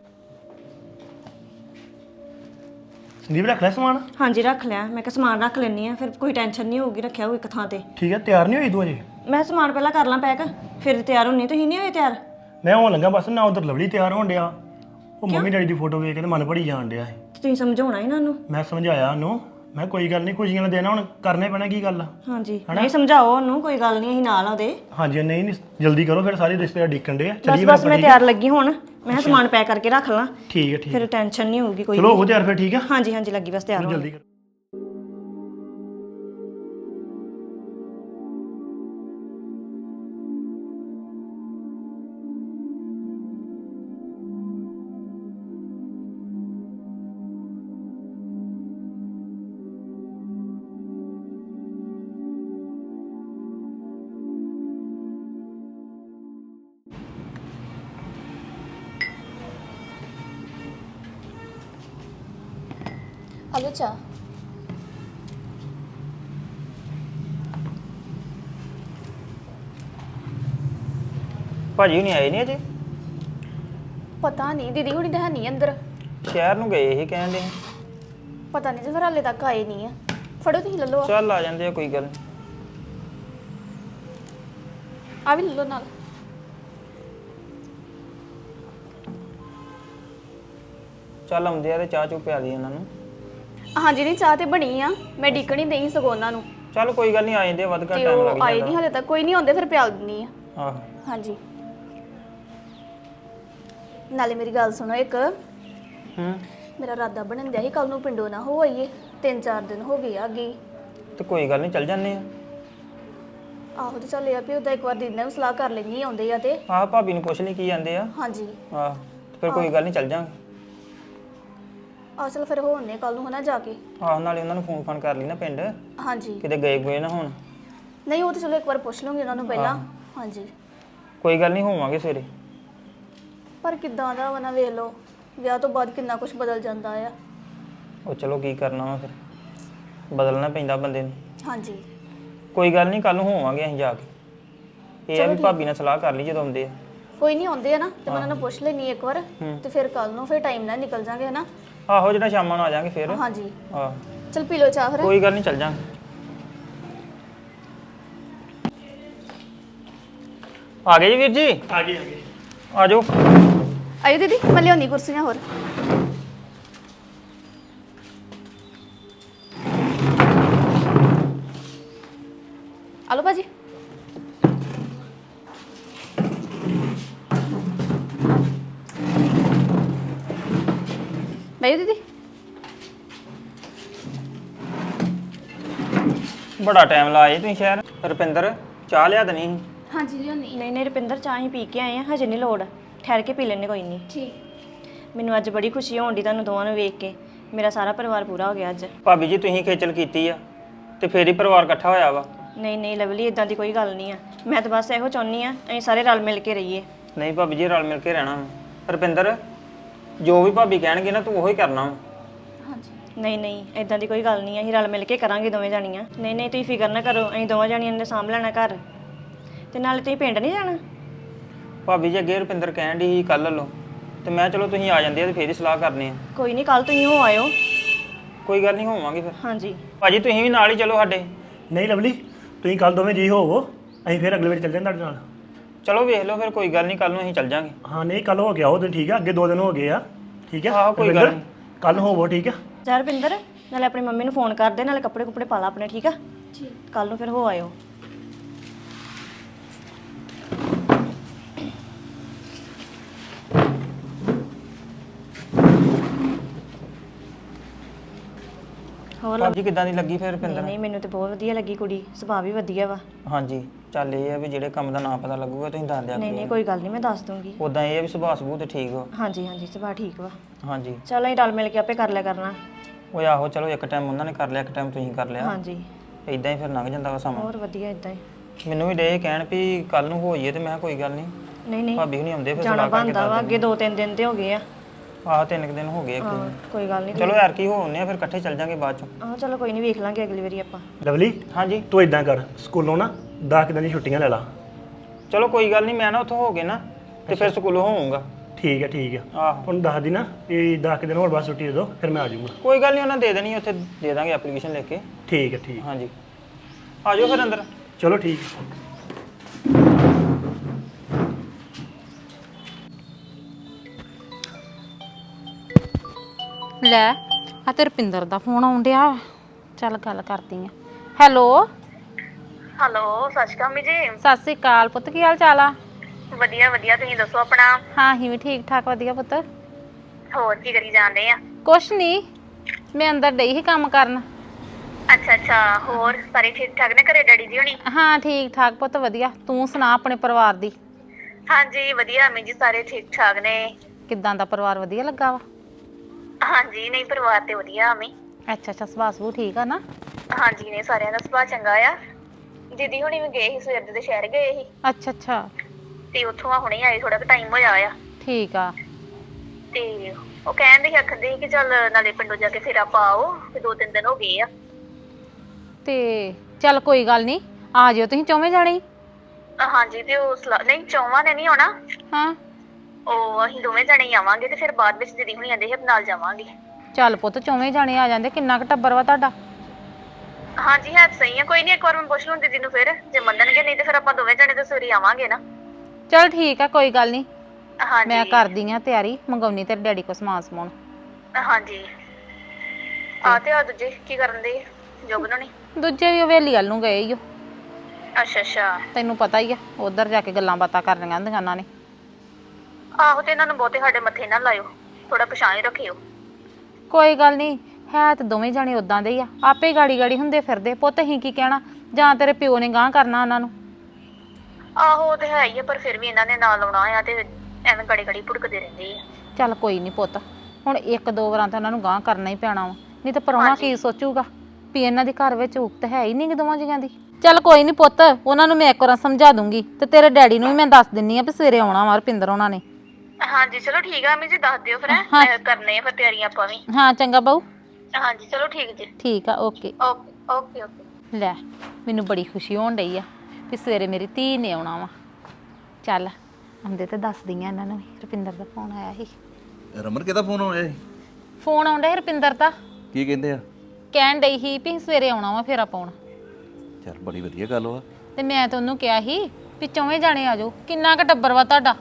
ਸੰਦੀਪ ਰੱਖ ਲੈ ਸਮਾਨ। ਹਾਂਜੀ ਰੱਖ ਲਿਆ, ਮੈਂ ਕਿਹਾ ਸਮਾਨ ਰੱਖ ਲੈਣੀ ਆ ਫਿਰ ਕੋਈ ਟੈਨਸ਼ਨ ਨਹੀਂ ਹੋਊਗੀ, ਰੱਖਿਆ ਹੋਊ ਇੱਕ ਥਾਂ ਤੇ। ਠੀਕ ਹੈ, ਤਿਆਰ ਨਹੀਂ ਹੋਈ ਤੂੰ ਅਜੇ? ਮੈਂ ਸਮਾਨ ਪਹਿਲਾਂ ਕਰ ਲਾਂ ਪੈਕ, ਫਿਰ ਤਿਆਰ ਹੁੰਨੀ। ਤੁਸੀਂ ਨਹੀਂ ਹੋਏ ਤਿਆਰ? ਮੈਂ ਹੋਣ ਲੱਗਾ ਬਸ, ਨਾ ਉਧਰ ਲਵਲੀ ਤਿਆਰ ਹੋਣ ਡਿਆ, ਉਹ ਮੰਮੀ ਡੈਡੀ ਦੀ ਫੋਟੋ ਵੇਖ ਕੇ ਤੇ ਮਨ ਭਰੀ ਜਾਣ ਡਿਆ ਸੀ। ਤੁਸੀਂ ਸਮਝਾਉਣਾ ਇਹਨਾਂ ਨੂੰ। ਮੈਂ ਸਮਝਾਇਆ ਉਹਨੂੰ, ਮੈਂ ਕੋਈ ਗੱਲ ਨਹੀਂ, ਖੁਸ਼ੀਆਂ ਨਾਲ ਦੇਣਾ, ਹੁਣ ਕਰਨੇ ਪੈਣਾ, ਕੀ ਗੱਲ ਆ। ਹਾਂਜੀ ਨਹੀਂ ਸਮਝਾਓ ਉਹਨੂੰ, ਕੋਈ ਗੱਲ ਨਹੀਂ ਅਸੀਂ ਨਾਲ ਆ ਉਹਦੇ। ਹਾਂਜੀ ਨਹੀਂ ਨਹੀਂ, ਜਲਦੀ ਕਰੋ ਫਿਰ, ਸਾਰੇ ਰਿਸ਼ਤੇਦਾਰ ਡੀਕਣ ਡੇ ਆ। ਬਸ ਚੱਲੀਏ ਬਸ ਮੈਂ ਤਿਆਰ ਲੱਗੀ ਹੁਣ, ਮੈਂ ਕਿਹਾ ਸਮਾਨ ਪੈਕ ਕਰਕੇ ਰੱਖ ਲਾਂ, ਠੀਕ ਹੈ ਠੀਕ ਫਿਰ ਟੈਨਸ਼ਨ ਨਹੀਂ ਹੋਊਗੀ ਕੋਈ। ਚਲੋ ਉਹ ਤਿਆਰ ਫਿਰ, ਠੀਕ ਆ। ਹਾਂਜੀ ਹਾਂਜੀ ਲੱਗੀ ਬਸ ਤਿਆਰ ਹੋਣ। ਜਲਦੀ ਕਰੋ। ਹਲੋ ਚਾਹ। ਭਾਜੀ ਨਹੀਂ ਆਏ ਨਹੀਂ ਅਜੇ? ਪਤਾ ਨਹੀਂ, ਦੀਦੀ ਹੁਣੀ ਤਾਂ ਹੈ ਨਹੀਂ ਅੰਦਰ। ਸ਼ਹਿਰ ਨੂੰ ਗਏ ਇਹ ਕਹਿਣ ਦੇ। ਪਤਾ ਨਹੀਂ ਜੇ ਫਿਰ ਹਾਲੇ ਤੱਕ ਆਏ ਨਹੀਂ ਆ। ਫੜੋ ਤੁਸੀਂ ਲੈ ਲਓ, ਚੱਲ ਆ ਜਾਂਦੇ ਆ ਕੋਈ ਗੱਲ ਨੀ। ਆ ਵੀ ਲੈ ਲਓ ਨਾਲ। ਚੱਲ ਆਉਂਦੇ ਆ ਤੇ ਚਾਹ ਚੁ ਪਿਆ ਲਈ ਉਹਨਾਂ ਨੂੰ। ਹਾਂਜੀ ਨਹੀਂ, ਚਾਹ ਤੇ ਬਣੀ ਆ, ਮੈਂ ਡੀਕਣੀ ਦੇਈ ਸਗੋਂ ਉਹਨਾਂ ਨੂੰ। ਚੱਲ ਕੋਈ ਗੱਲ ਨਹੀਂ ਆ ਜਾਂਦੇ ਆ, ਵੱਧ ਘੱਟ ਤੇ ਟਾਈਮ ਉਹ ਲੱਗ ਆਏ ਜਾਂਦਾ। ਨਹੀਂ ਹਾਲੇ ਤੱਕ, ਕੋਈ ਨਹੀਂ ਆਉਂਦੇ ਫਿਰ ਪਿਆਲ ਦਿੰਨੀ ਆ। ਆਹੋ ਹਾਂਜੀ ਨਾਲੇ ਮੇਰੀ ਗੱਲ ਸੁਣੋ ਇੱਕ, ਹੂੰ। ਮੇਰਾ ਇਰਾਦਾ ਬਣਨ ਦਿਆ ਸੀ ਕੱਲ ਨੂੰ ਪਿੰਡੋਂ ਨਾ ਹੋ ਆਈਏ, 3-4 ਦਿਨ ਹੋ ਗਏ ਆ ਗਈ। ਤੇ ਕੋਈ ਗੱਲ ਨਹੀਂ ਚੱਲ ਜਾਂਦੇ ਆ। ਆਹੋ ਤੇ ਚੱਲ ਇਹ ਆ ਵੀ ਉਹਦਾ ਇੱਕ ਵਾਰ ਦੀਦੀ ਨਾਲ ਵੀ ਸਲਾਹ ਕਰ ਲੈਣੀ ਆਉਂਦੇ ਆ ਤੇ। ਆਹ ਭਾਬੀ ਨੂੰ ਪੁੱਛ ਲਈ ਕੀ ਜਾਂਦੇ ਆ। ਹਾਂਜੀ ਆਹ ਤੇ ਫਿਰ ਕੋਈ ਗੱਲ ਨਹੀਂ ਚੱਲ ਜਾਂਗੇ। ਆਹ ਚਲ ਫਿਰ ਹੋਣੇ ਕੱਲ ਨੂੰ ਹਨਾ ਜਾ ਕੇ। ਆਹ ਨਾਲੇ ਉਹਨਾਂ ਨੂੰ ਫੋਨ ਫਾਨ ਕਰ ਲਈ ਨਾ ਪਿੰਡ, ਹਾਂਜੀ ਕਿਤੇ ਗਏ ਗਏ ਨਾ ਹੁਣ। ਨਹੀਂ ਉਹ ਤਾਂ ਚਲੋ ਇੱਕ ਵਾਰ ਪੁੱਛ ਲਵਾਂਗੇ ਉਹਨਾਂ ਨੂੰ ਪਹਿਲਾਂ। ਹਾਂਜੀ ਕੋਈ ਗੱਲ ਨਹੀਂ ਹੋਵਾਂਗੇ ਸਵੇਰੇ। ਪਰ ਕਿੱਦਾਂ ਦਾ ਵਾ ਨਾ ਵੇਖ ਲਓ, ਵਿਆਹ ਤੋਂ ਬਾਅਦ ਕਿੰਨਾ ਕੁਝ ਬਦਲ ਜਾਂਦਾ ਆ। ਉਹ ਚਲੋ ਕੀ ਕਰਨਾ ਵਾ ਫਿਰ, ਬਦਲਣਾ ਪੈਂਦਾ ਬੰਦੇ ਨੂੰ। ਹਾਂਜੀ ਕੋਈ ਗੱਲ ਨਹੀਂ ਕੱਲ ਨੂੰ ਹੋਵਾਂਗੇ ਅਸੀਂ ਜਾ ਕੇ। ਇਹ ਆ ਵੀ ਭਾਬੀ ਨਾਲ ਸਲਾਹ ਕਰ ਲਈ ਜਦੋਂ ਆਉਂਦੇ ਆ। ਕੋਈ ਨਹੀਂ ਆਉਂਦੇ ਆ ਨਾ ਤੇ ਮੈਂ ਉਹਨਾਂ ਨੂੰ ਪੁੱਛ ਲੈਣੀ ਇੱਕ ਵਾਰ, ਤੇ ਫਿਰ ਕੱਲ ਨੂੰ ਫਿਰ ਟਾਈਮ ਨਾਲ ਨਿਕਲ ਜਾਾਂਗੇ ਹਨਾ। ਆਹੋ ਜਿਹੜਾ ਸ਼ਾਮਾਂ ਨੂੰ ਆ ਜਾਾਂਗੇ ਫਿਰ। ਹਾਂਜੀ ਆਹ ਚਲ ਪੀ ਲਓ ਚਾਹ ਫਿਰ। ਕੋਈ ਗੱਲ ਨਹੀਂ ਚੱਲ ਜਾਂਗੇ। ਆ ਗਏ ਜੀ ਵੀਰ ਜੀ? ਆ ਗਏ ਆ ਗਏ। ਆ ਜਾਓ। ਆਇਓ ਦੀਦੀ, ਮੈਂ ਲਿਆਉਣੀ ਕੁਰਸੀਆਂ ਹੋਰ। ਆਲੋ ਭਾਜੀ। ਬੈਠੋ ਦੀਦੀ। ਬੜਾ ਟਾਈਮ ਲਾਏ ਤੁਸੀਂ ਸ਼ਹਿਰ। ਰੁਪਿੰਦਰ ਚਾਹ ਲਿਆ ਦੇਣੀ ਸੀ। ਹਾਂਜੀ ਲਿਆਉਣੀ। ਨਹੀਂ ਨਹੀਂ ਰੁਪਿੰਦਰ, ਚਾਹ ਹੀ ਪੀ ਕੇ ਆਏ ਆ, ਹਜੇ ਨਹੀਂ ਲੋੜ, ਠਹਿਰ ਕੇ ਪੀ ਲੈਣੇ ਕੋਈ ਨਹੀਂ। ਠੀਕ। ਮੈਨੂੰ ਅੱਜ ਬੜੀ ਖੁਸ਼ੀ ਹੋਣ ਦੀ ਤੁਹਾਨੂੰ ਦੋਵਾਂ ਨੂੰ ਵੇਖ ਕੇ, ਮੇਰਾ ਸਾਰਾ ਪਰਿਵਾਰ ਪੂਰਾ ਹੋ ਗਿਆ ਅੱਜ। ਭਾਬੀ ਜੀ ਤੁਸੀਂ ਖੇਚਲ ਕੀਤੀ ਆ ਤੇ ਫੇਰ ਹੀ ਪਰਿਵਾਰ ਇਕੱਠਾ ਹੋਇਆ ਵਾ। ਨਹੀਂ ਨਹੀਂ ਲਵਲੀ, ਇਦਾਂ ਦੀ ਕੋਈ ਗੱਲ ਨਹੀਂ ਆ, ਮੈਂ ਤਾਂ ਬਸ ਇਹੋ ਚਾਹੁੰਦੀ ਆ ਅਸੀਂ ਸਾਰੇ ਰਲ ਮਿਲ ਕੇ ਰਹੀਏ। ਨਹੀਂ ਭਾਬੀ ਜੀ ਰਲ ਮਿਲ ਕੇ ਰਹਿਣਾ ਵਾ। ਰੁਪਿੰਦਰ ਜੋ ਵੀ ਭਾਬੀ ਕਹਿਣਗੇ ਨਾ ਤੂੰ ਉਹੀ ਕਰਨਾ ਵਾ। ਹਾਂਜੀ ਨਹੀਂ ਨਹੀਂ ਇਦਾਂ ਦੀ ਕੋਈ ਗੱਲ ਨਹੀਂ ਆ, ਅਸੀਂ ਰਲ ਮਿਲ ਕੇ ਕਰਾਂਗੇ ਦੋਵੇਂ ਜਾਣੀਆਂ। ਨਹੀਂ ਨਹੀਂ ਤੁਸੀਂ ਫਿਕਰ ਨਾ ਕਰੋ, ਅਸੀਂ ਦੋਵਾਂ ਜਾਣੀਆਂ ਨੇ ਸਾਂਭ ਲੈਣਾ ਘਰ। ਤੇ ਨਾਲੇ ਤੁਸੀਂ ਪਿੰਡ ਨਹੀਂ ਜਾਣਾ? ਭਾਬੀ ਜੀ ਅੱਗੇ ਰੁਪਿੰਦਰ ਕਹਿਣ ਦੀ ਸੀ ਕੱਲ ਲੋ, ਤੇ ਮੈਂ ਚਲੋ ਤੁਸੀਂ ਆ ਜਾਂਦੇ ਆ ਤੇ ਫੇਰ ਹੀ ਸਲਾਹ ਕਰਨੀ ਆ। ਕੋਈ ਨਹੀਂ, ਕੱਲ ਤੁਸੀਂ ਹੋ ਆਇਓ। ਕੋਈ ਗੱਲ ਨਹੀਂ ਹੋਵਾਂਗੇ ਫਿਰ। ਹਾਂਜੀ ਭਾਜੀ ਤੁਸੀਂ ਵੀ ਨਾਲ ਹੀ ਚਲੋ ਸਾਡੇ। ਨਹੀਂ ਲਵਲੀ, ਤੁਸੀਂ ਕੱਲ ਦੋਵੇਂ ਜੀ ਹੋਵੋ, ਅਸੀਂ ਫਿਰ ਅਗਲੇ ਵਾਰ ਚੱਲ ਜਾਂਗੇ ਤੁਹਾਡੇ ਨਾਲ। ਚਲੋ ਵੇਖ ਲਓ ਫਿਰ, ਕੋਈ ਗੱਲ ਨਹੀਂ, ਕੱਲ ਨੂੰ ਅਸੀਂ ਚੱਲ ਜਾਾਂਗੇ। ਹਾਂ ਨਹੀਂ ਕੱਲ ਹੋ ਗਿਆ ਉਹ ਦਿਨ, ਠੀਕ ਆ, ਅੱਗੇ 2 ਦਿਨ ਹੋ ਗਏ ਆ, ਠੀਕ ਆ। ਆਹੋ, ਕੋਈ ਗੱਲ ਨਹੀਂ। ਕੱਲ ਹੋਵੋ, ਠੀਕ ਆ। ਯਾਰ ਰੁਪਿੰਦਰ, ਨਾਲੇ ਆਪਣੀ ਮੰਮੀ ਨੂੰ ਫੋਨ ਕਰ ਦੇ, ਨਾਲੇ ਕੱਪੜੇ ਕੁੱਪੜੇ ਪਾ ਲਾ ਆਪਣੇ, ਠੀਕ ਆ? ਠੀਕ। ਕੱਲ ਨੂੰ ਫਿਰ ਹੋ ਆਇਓ। ਹੋਰ ਭਾਬੀ ਕਿੱਦਾਂ ਦੀ ਲੱਗੀ ਫਿਰ ਨਹੀਂ ਰੁਪਿੰਦਰ? ਨਹੀਂ, ਮੈਨੂੰ ਤੇ ਬਹੁਤ ਵਧੀਆ ਲੱਗੀ ਕੁੜੀ, ਸੁਭਾਅ ਵੀ ਵਧੀਆ ਵਾ। ਹਾਂਜੀ, ਚੱਲ ਇਹ ਆ ਵੀ ਜਿਹੜੇ ਕੰਮ ਦਾ ਨਾਂ ਪਤਾ ਲੱਗੂਗਾ ਤੁਸੀਂ ਦੱਸ ਦਿਆ ਨਹੀਂ ਨਹੀਂ, ਕੋਈ ਗੱਲ ਨਹੀਂ, ਮੈਂ ਦੱਸ ਦੂੰਗੀ। ਉਦਾਂ ਇਹ ਆ ਵੀ ਸੁਭਾਅ ਸਬੂਤ ਤੇ ਠੀਕ ਹੋ। ਹਾਂਜੀ ਹਾਂਜੀ, ਸੁਭਾਅ ਠੀਕ ਵਾ। ਹਾਂਜੀ, ਚਲੋ ਅਸੀਂ ਰਲ ਮਿਲ ਕੇ ਆਪੇ ਕਰ ਲਿਆ ਕਰਨਾ। ਉਹ ਆਹੋ, ਚਲੋ ਇੱਕ ਟਾਈਮ ਉਹਨਾਂ ਨੇ ਕਰ ਲਿਆ, ਇੱਕ ਟਾਈਮ ਤੁਸੀਂ ਕਰ ਲਿਆ। ਹਾਂਜੀ, ਇਦਾਂ ਹੀ ਫਿਰ ਲੰਘ ਜਾਂਦਾ ਵਾ ਸਮਾਂ। ਹੋਰ ਵਧੀਆ ਇਦਾਂ ਹੀ। ਮੈਨੂੰ ਵੀ ਡੇ ਕਹਿਣ ਵੀ ਕੱਲ ਨੂੰ ਹੋਈਏ, ਤੇ ਮੈਂ ਕਿਹਾ ਕੋਈ ਗੱਲ ਨਹੀਂ, ਨਹੀਂ ਨਹੀਂ, ਭਾਬੀ ਹੁਣੀ ਆਉਂਦੇ ਫਿਰ ਜਾਣਾ ਸਲਾਹ ਕਰਕੇ ਬਣਦਾ ਵਾ, ਅੱਗੇ 2-3 ਦਿਨ ਤੇ ਹੋ ਗਏ ਆ। ਆਹ 3 ਦਿਨ ਹੋ ਗਏ ਅੱਗੇ। ਕੋਈ ਗੱਲ ਨਹੀਂ। ਚਲੋ ਯਾਰ ਕੀ ਹੋਣੇ ਆ, ਫਿਰ ਇਕੱਠੇ ਚੱਲ ਜਾਾਂਗੇ ਬਾਅਦ ਚੋਂ। ਆਹ ਚਲੋ ਕੋਈ ਨਹੀਂ, ਵੇਖ ਲਾਂਗੇ ਅਗਲੀ ਵਾਰੀ ਆਪਾਂ। ਲਵਲੀ ਹਾਂਜੀ, ਤੂੰ ਇਦਾਂ ਕਰ, ਸਕੂਲੋਂ ਨਾ 10 ਦਿਨ ਦੀ ਛੁੱਟੀਆਂ ਲੈ ਲਾ। ਚਲੋ ਕੋਈ ਗੱਲ ਨਹੀਂ, ਮੈਂ ਨਾ ਉੱਥੋਂ ਹੋ ਗਏ ਨਾ ਤੇ ਫਿਰ ਸਕੂਲੋਂ ਹੋਊਂਗਾ। ਠੀਕ ਹੈ, ਠੀਕ ਹੈ। ਆਹੋ, ਹੁਣ ਦੱਸ ਦੀ ਨਾ ਇਹ 10 ਦਿਨ ਹੋਰ ਬਾਅਦ ਛੁੱਟੀ ਦੇ ਦਿਓ, ਫਿਰ ਮੈਂ ਆ ਜਾਊਂਗਾ। ਕੋਈ ਗੱਲ ਨਹੀਂ, ਉਹਨਾਂ ਦੇ ਦੇਣੀ, ਉੱਥੇ ਦੇ ਦਾਂਗੇ ਐਪਲੀਕੇਸ਼ਨ ਲਿਖ ਕੇ। ਠੀਕ ਹੈ, ਠੀਕ। ਹਾਂਜੀ, ਆ ਜਾਓ ਫਿਰ ਅੰਦਰ। ਚਲੋ ਠੀਕ ਹੈ। ਲੈ ਆ ਤੇ ਰੁਪਿੰਦਰ ਦਾ ਫੋਨ ਆਉਣ ਡਿਆ। ਚੱਲ ਗੱਲ ਕਰਦੀ ਆ। ਹੈਲੋ ਹੈਲੋ, ਸਤਿ ਸ਼੍ਰੀ ਅਕਾਲ ਮੰਮੀ ਜੀ। ਸਤਿ ਸ੍ਰੀ ਅਕਾਲ ਪੁੱਤ, ਕੀ ਹਾਲ ਚਾਲ ਆ? ਵਧੀਆ ਵਧੀਆ, ਤੁਸੀਂ ਦੱਸੋ ਆਪਣਾ। ਹਾਂ ਅਸੀਂ ਵੀ ਠੀਕ ਠਾਕ, ਵਧੀਆ ਪੁੱਤ। ਹੋਰ ਕੀ ਕਰੀ ਜਾਂਦੇ ਆ? ਕੁਛ ਨਹੀਂ, ਮੈਂ ਅੰਦਰ ਡਈ ਸੀ ਕੰਮ ਕਰਨ। ਅੱਛਾ ਅੱਛਾ, ਹੋਰ ਸਾਰੇ ਠੀਕ ਠਾਕ ਨੇ ਘਰੇ, ਡੈਡੀ ਜੀ ਹੋਣੀ? ਹਾਂ ਠੀਕ ਠਾਕ ਪੁੱਤ, ਵਧੀਆ। ਤੂੰ ਸੁਣਾ ਆਪਣੇ ਪਰਿਵਾਰ ਦੀ? ਹਾਂਜੀ ਵਧੀਆ ਮੰਮੀ ਜੀ, ਸਾਰੇ ਠੀਕ ਠਾਕ ਨੇ। ਕਿੱਦਾਂ ਦਾ ਪਰਿਵਾਰ, ਵਧੀਆ ਲੱਗਾ ਵਾ? ਹਾਂਜੀ, ਨਹੀਂ ਪਰਿਵਾਰ ਤੇ ਵਧੀਆ ਮੰਮੀ। ਅੱਛਾ ਅੱਛਾ, ਸੁਭਾਅ ਸਬੂਹ ਠੀਕ ਆ ਨਾ? ਹਾਂਜੀ, ਨੇ ਸਾਰਿਆਂ ਦਾ ਸੁਭਾਅ ਚੰਗਾ ਆ। ਦੀਦੀ ਹੁਣੀ ਵੀ ਗਏ ਸੀ, ਸਵੇਰ ਦੇ ਸ਼ਹਿਰ ਗਏ ਸੀ ਅੱਛਾ ਅੱਛਾ, ਤੇ ਉੱਥੋਂ ਆ ਹੁਣੇ ਆਏ, ਥੋੜਾ ਕੁ ਟਾਈਮ ਹੋਇਆ ਆ। ਠੀਕ ਆ। ਤੇ ਉਹ ਕਹਿੰਦੇ ਸੀ, ਆਖਦੇ ਸੀ ਕਿ ਚੱਲ ਨਾਲੇ ਪਿੰਡੋਂ ਜਾ ਕੇ ਫੇਰ ਆਪਾਂ ਆਓ, ਤੇ 2-3 ਦਿਨ ਹੋ ਗਏ ਆ। ਤੇ ਚੱਲ ਕੋਈ ਗੱਲ ਨਹੀਂ, ਆ ਜਿਓ ਤੁਸੀਂ ਚੌਵੇਂ ਜਾਣੇ ਹੀ। ਹਾਂਜੀ, ਤੇ ਉਹ ਨਹੀਂ, ਚੌਵਾਂ ਨੇ ਨਹੀਂ ਆਉਣਾ। ਹਾਂ, ਉਹ ਅਸੀਂ ਦੋਵੇਂ ਜਣੇ ਹੀ ਆਵਾਂਗੇ, ਤੇ ਫਿਰ ਬਾਅਦ ਵਿੱਚ ਦੀਦੀ ਹੁਣੀ ਆਂਦੇ ਸੀ ਨਾਲ ਜਾਵਾਂਗੇ। ਚੱਲ ਪੁੱਤ ਚੌਵੇਂ ਜਾਣੇ ਆ ਜਾਂਦੇ। ਕਿੰਨਾ ਕੁ ਟੱਬਰ ਵਾ ਤੁਹਾਡਾ? ਹਾਂਜੀ ਹੈ ਤਾਂ ਸਹੀ ਆ, ਕੋਈ ਨਹੀਂ, ਇੱਕ ਵਾਰ ਮੈਂ ਪੁੱਛ ਲੂੰ ਦੀਦੀ ਨੂੰ, ਫਿਰ ਜੇ ਮੰਨਣਗੇ, ਨਹੀਂ ਤੇ ਫਿਰ ਆਪਾਂ ਦੋਵੇਂ ਜਣੇ ਤਾਂ ਸਵੇਰੇ ਆਵਾਂਗੇ ਨਾ। ਚੱਲ ਠੀਕ ਆ, ਕੋਈ ਗੱਲ ਨਹੀਂ। ਹਾਂਜੀ ਮੈਂ ਕਰਦੀ ਆ ਤਿਆਰੀ, ਮੰਗਾਉਣੀ ਤੇਰੇ ਡੈਡੀ ਕੋ ਸਮਾਨ ਸਮਾਉਣ। ਹਾਂਜੀ, ਆ ਤੇ ਆ ਦੂਜੇ ਕੀ ਕਰਨ ਦੇ ਜੋਗਨ ਹੋਣੀ? ਦੂਜੇ ਵੀ ਹਵੇਲੀ ਵੱਲ ਨੂੰ ਗਏ ਈ ਓ। ਅੱਛਾ ਅੱਛਾ, ਤੈਨੂੰ ਪਤਾ ਹੀ ਆ, ਉਧਰ ਜਾ ਕੇ ਗੱਲਾਂ ਬਾਤਾਂ ਕਰਨੀਆਂ ਹੁੰਦੀਆਂ ਉਹਨਾਂ ਨੇ। ਆਹੋ, ਤੇ ਇਹਨਾਂ ਨੂੰ ਬਹੁਤੇ ਸਾਡੇ ਮੱਥੇ ਨਾ ਲਾਇਓ, ਥੋੜਾ ਪਛਾਣ ਹੀ ਰੱਖਿਓ। ਕੋਈ ਗੱਲ ਨਹੀਂ, ਹੈ ਤੇ ਦੋਵੇਂ ਜਾਣੇ ਉਦਾਂ ਦੇ ਹੀ ਆ, ਆਪੇ ਗਾੜੀ ਗਾੜੀ ਹੁੰਦੇ ਫਿਰਦੇ। ਪੁੱਤ ਅਸੀਂ ਕੀ ਕਹਿਣਾ, ਜਾਂ ਤੇਰੇ ਪਿਓ ਨੇ ਗਾਂਹ ਕਰਨਾ ਉਹਨਾਂ ਨੂੰ। ਆਹੋ ਉਹ ਤੇ ਹੈ ਹੀ ਆ, ਪਰ ਫਿਰ ਵੀ ਇਹਨਾਂ ਨੇ ਨਾਲ ਆਉਣਾ ਆ, ਤੇ ਐਵੇਂ ਗੜੀ ਗੜੀ ਭੁੜਕਦੇ ਰਹਿੰਦੇ ਆ। ਚੱਲ ਕੋਈ ਨਹੀਂ ਪੁੱਤ, ਹੁਣ 1-2 ਵਾਰਾਂ ਤਾਂ ਉਹਨਾਂ ਨੂੰ ਗਾਂਹ ਕਰਨਾ ਹੀ ਪੈਣਾ ਵਾ, ਨਹੀਂ ਤਾਂ ਪ੍ਰਾਹੁਣਾ ਕੀ ਸੋਚੂਗਾ ਵੀ ਇਹਨਾਂ ਦੇ ਘਰ ਵਿੱਚ ਉਕਤ ਹੈ ਹੀ ਨਹੀਂ ਕਿ ਦੋਵਾਂ ਜੀਆਂ ਦੀ। ਚੱਲ ਕੋਈ ਨਹੀਂ ਪੁੱਤ, ਉਹਨਾਂ ਨੂੰ ਮੈਂ ਇੱਕ ਵਾਰ ਸਮਝਾ ਦੂੰਗੀ, ਤੇ ਤੇਰੇ ਡੈਡੀ ਨੂੰ ਵੀ ਮੈਂ ਦੱਸ ਦਿੰਨੀ ਆ ਵੀ ਸਵੇਰੇ ਆਉਣਾ ਵਾ ਰੁਪਿੰਦਰ ਉਹਨਾਂ ਨੇ। ਹਾਂਜੀ ਚਲੋ ਠੀਕ ਆ, ਮੰਮੀ ਜੀ ਦੱਸ ਦਿਓ ਫਿਰ, ਮੈਂ ਕਰਨੇ ਆ ਫਿਰ ਤਿਆਰੀਆਂ ਆਪਾਂ ਵੀ। ਹਾਂ ਚੰਗਾ ਬਾਊ। ਹਾਂਜੀ ਚਲੋ ਠੀਕ ਜੀ। ਠੀਕ ਆ, ਓਕੇ ਓਕੇ ਓਕੇ ਓਕੇ। ਲੈ, ਮੈਨੂੰ ਬੜੀ ਖੁਸ਼ੀ ਹੋਣ ਡਈ ਆ ਵੀ ਸਵੇਰੇ ਮੇਰੀ ਧੀ ਨੇ ਆਉਣਾ ਵਾ। ਚੱਲ ਆਉਂਦੇ ਤੇ ਦੱਸਦੀ ਆ ਇਹਨਾਂ ਨੂੰ ਵੀ, ਰੁਪਿੰਦਰ ਦਾ ਫੋਨ ਆਇਆ ਸੀ। ਰਮਨ ਕਿਹਦਾ ਫੋਨ ਆਇਆ ਸੀ? ਫੋਨ ਆਉਂਦਾ ਸੀ ਰੁਪਿੰਦਰ ਦਾ, ਕੀ ਕਹਿੰਦੇ ਆ? ਕਹਿਣ ਡਈ ਸੀ ਵੀ ਸਵੇਰੇ ਆਉਣਾ ਵਾ ਫੇਰਾ ਪਾਉਣ। ਚੱਲ ਬੜੀ ਵਧੀਆ ਗੱਲ ਵਾ। ਤੇ ਮੈਂ ਤਾਂ ਉਹਨੂੰ ਕਿਹਾ ਸੀ ਵੀ 4 ਜਾਣੇ ਆ ਜਾਓ। ਕਿੰਨਾ ਕੁ ਟੱਬਰ ਵਾ ਤੁਹਾਡਾ?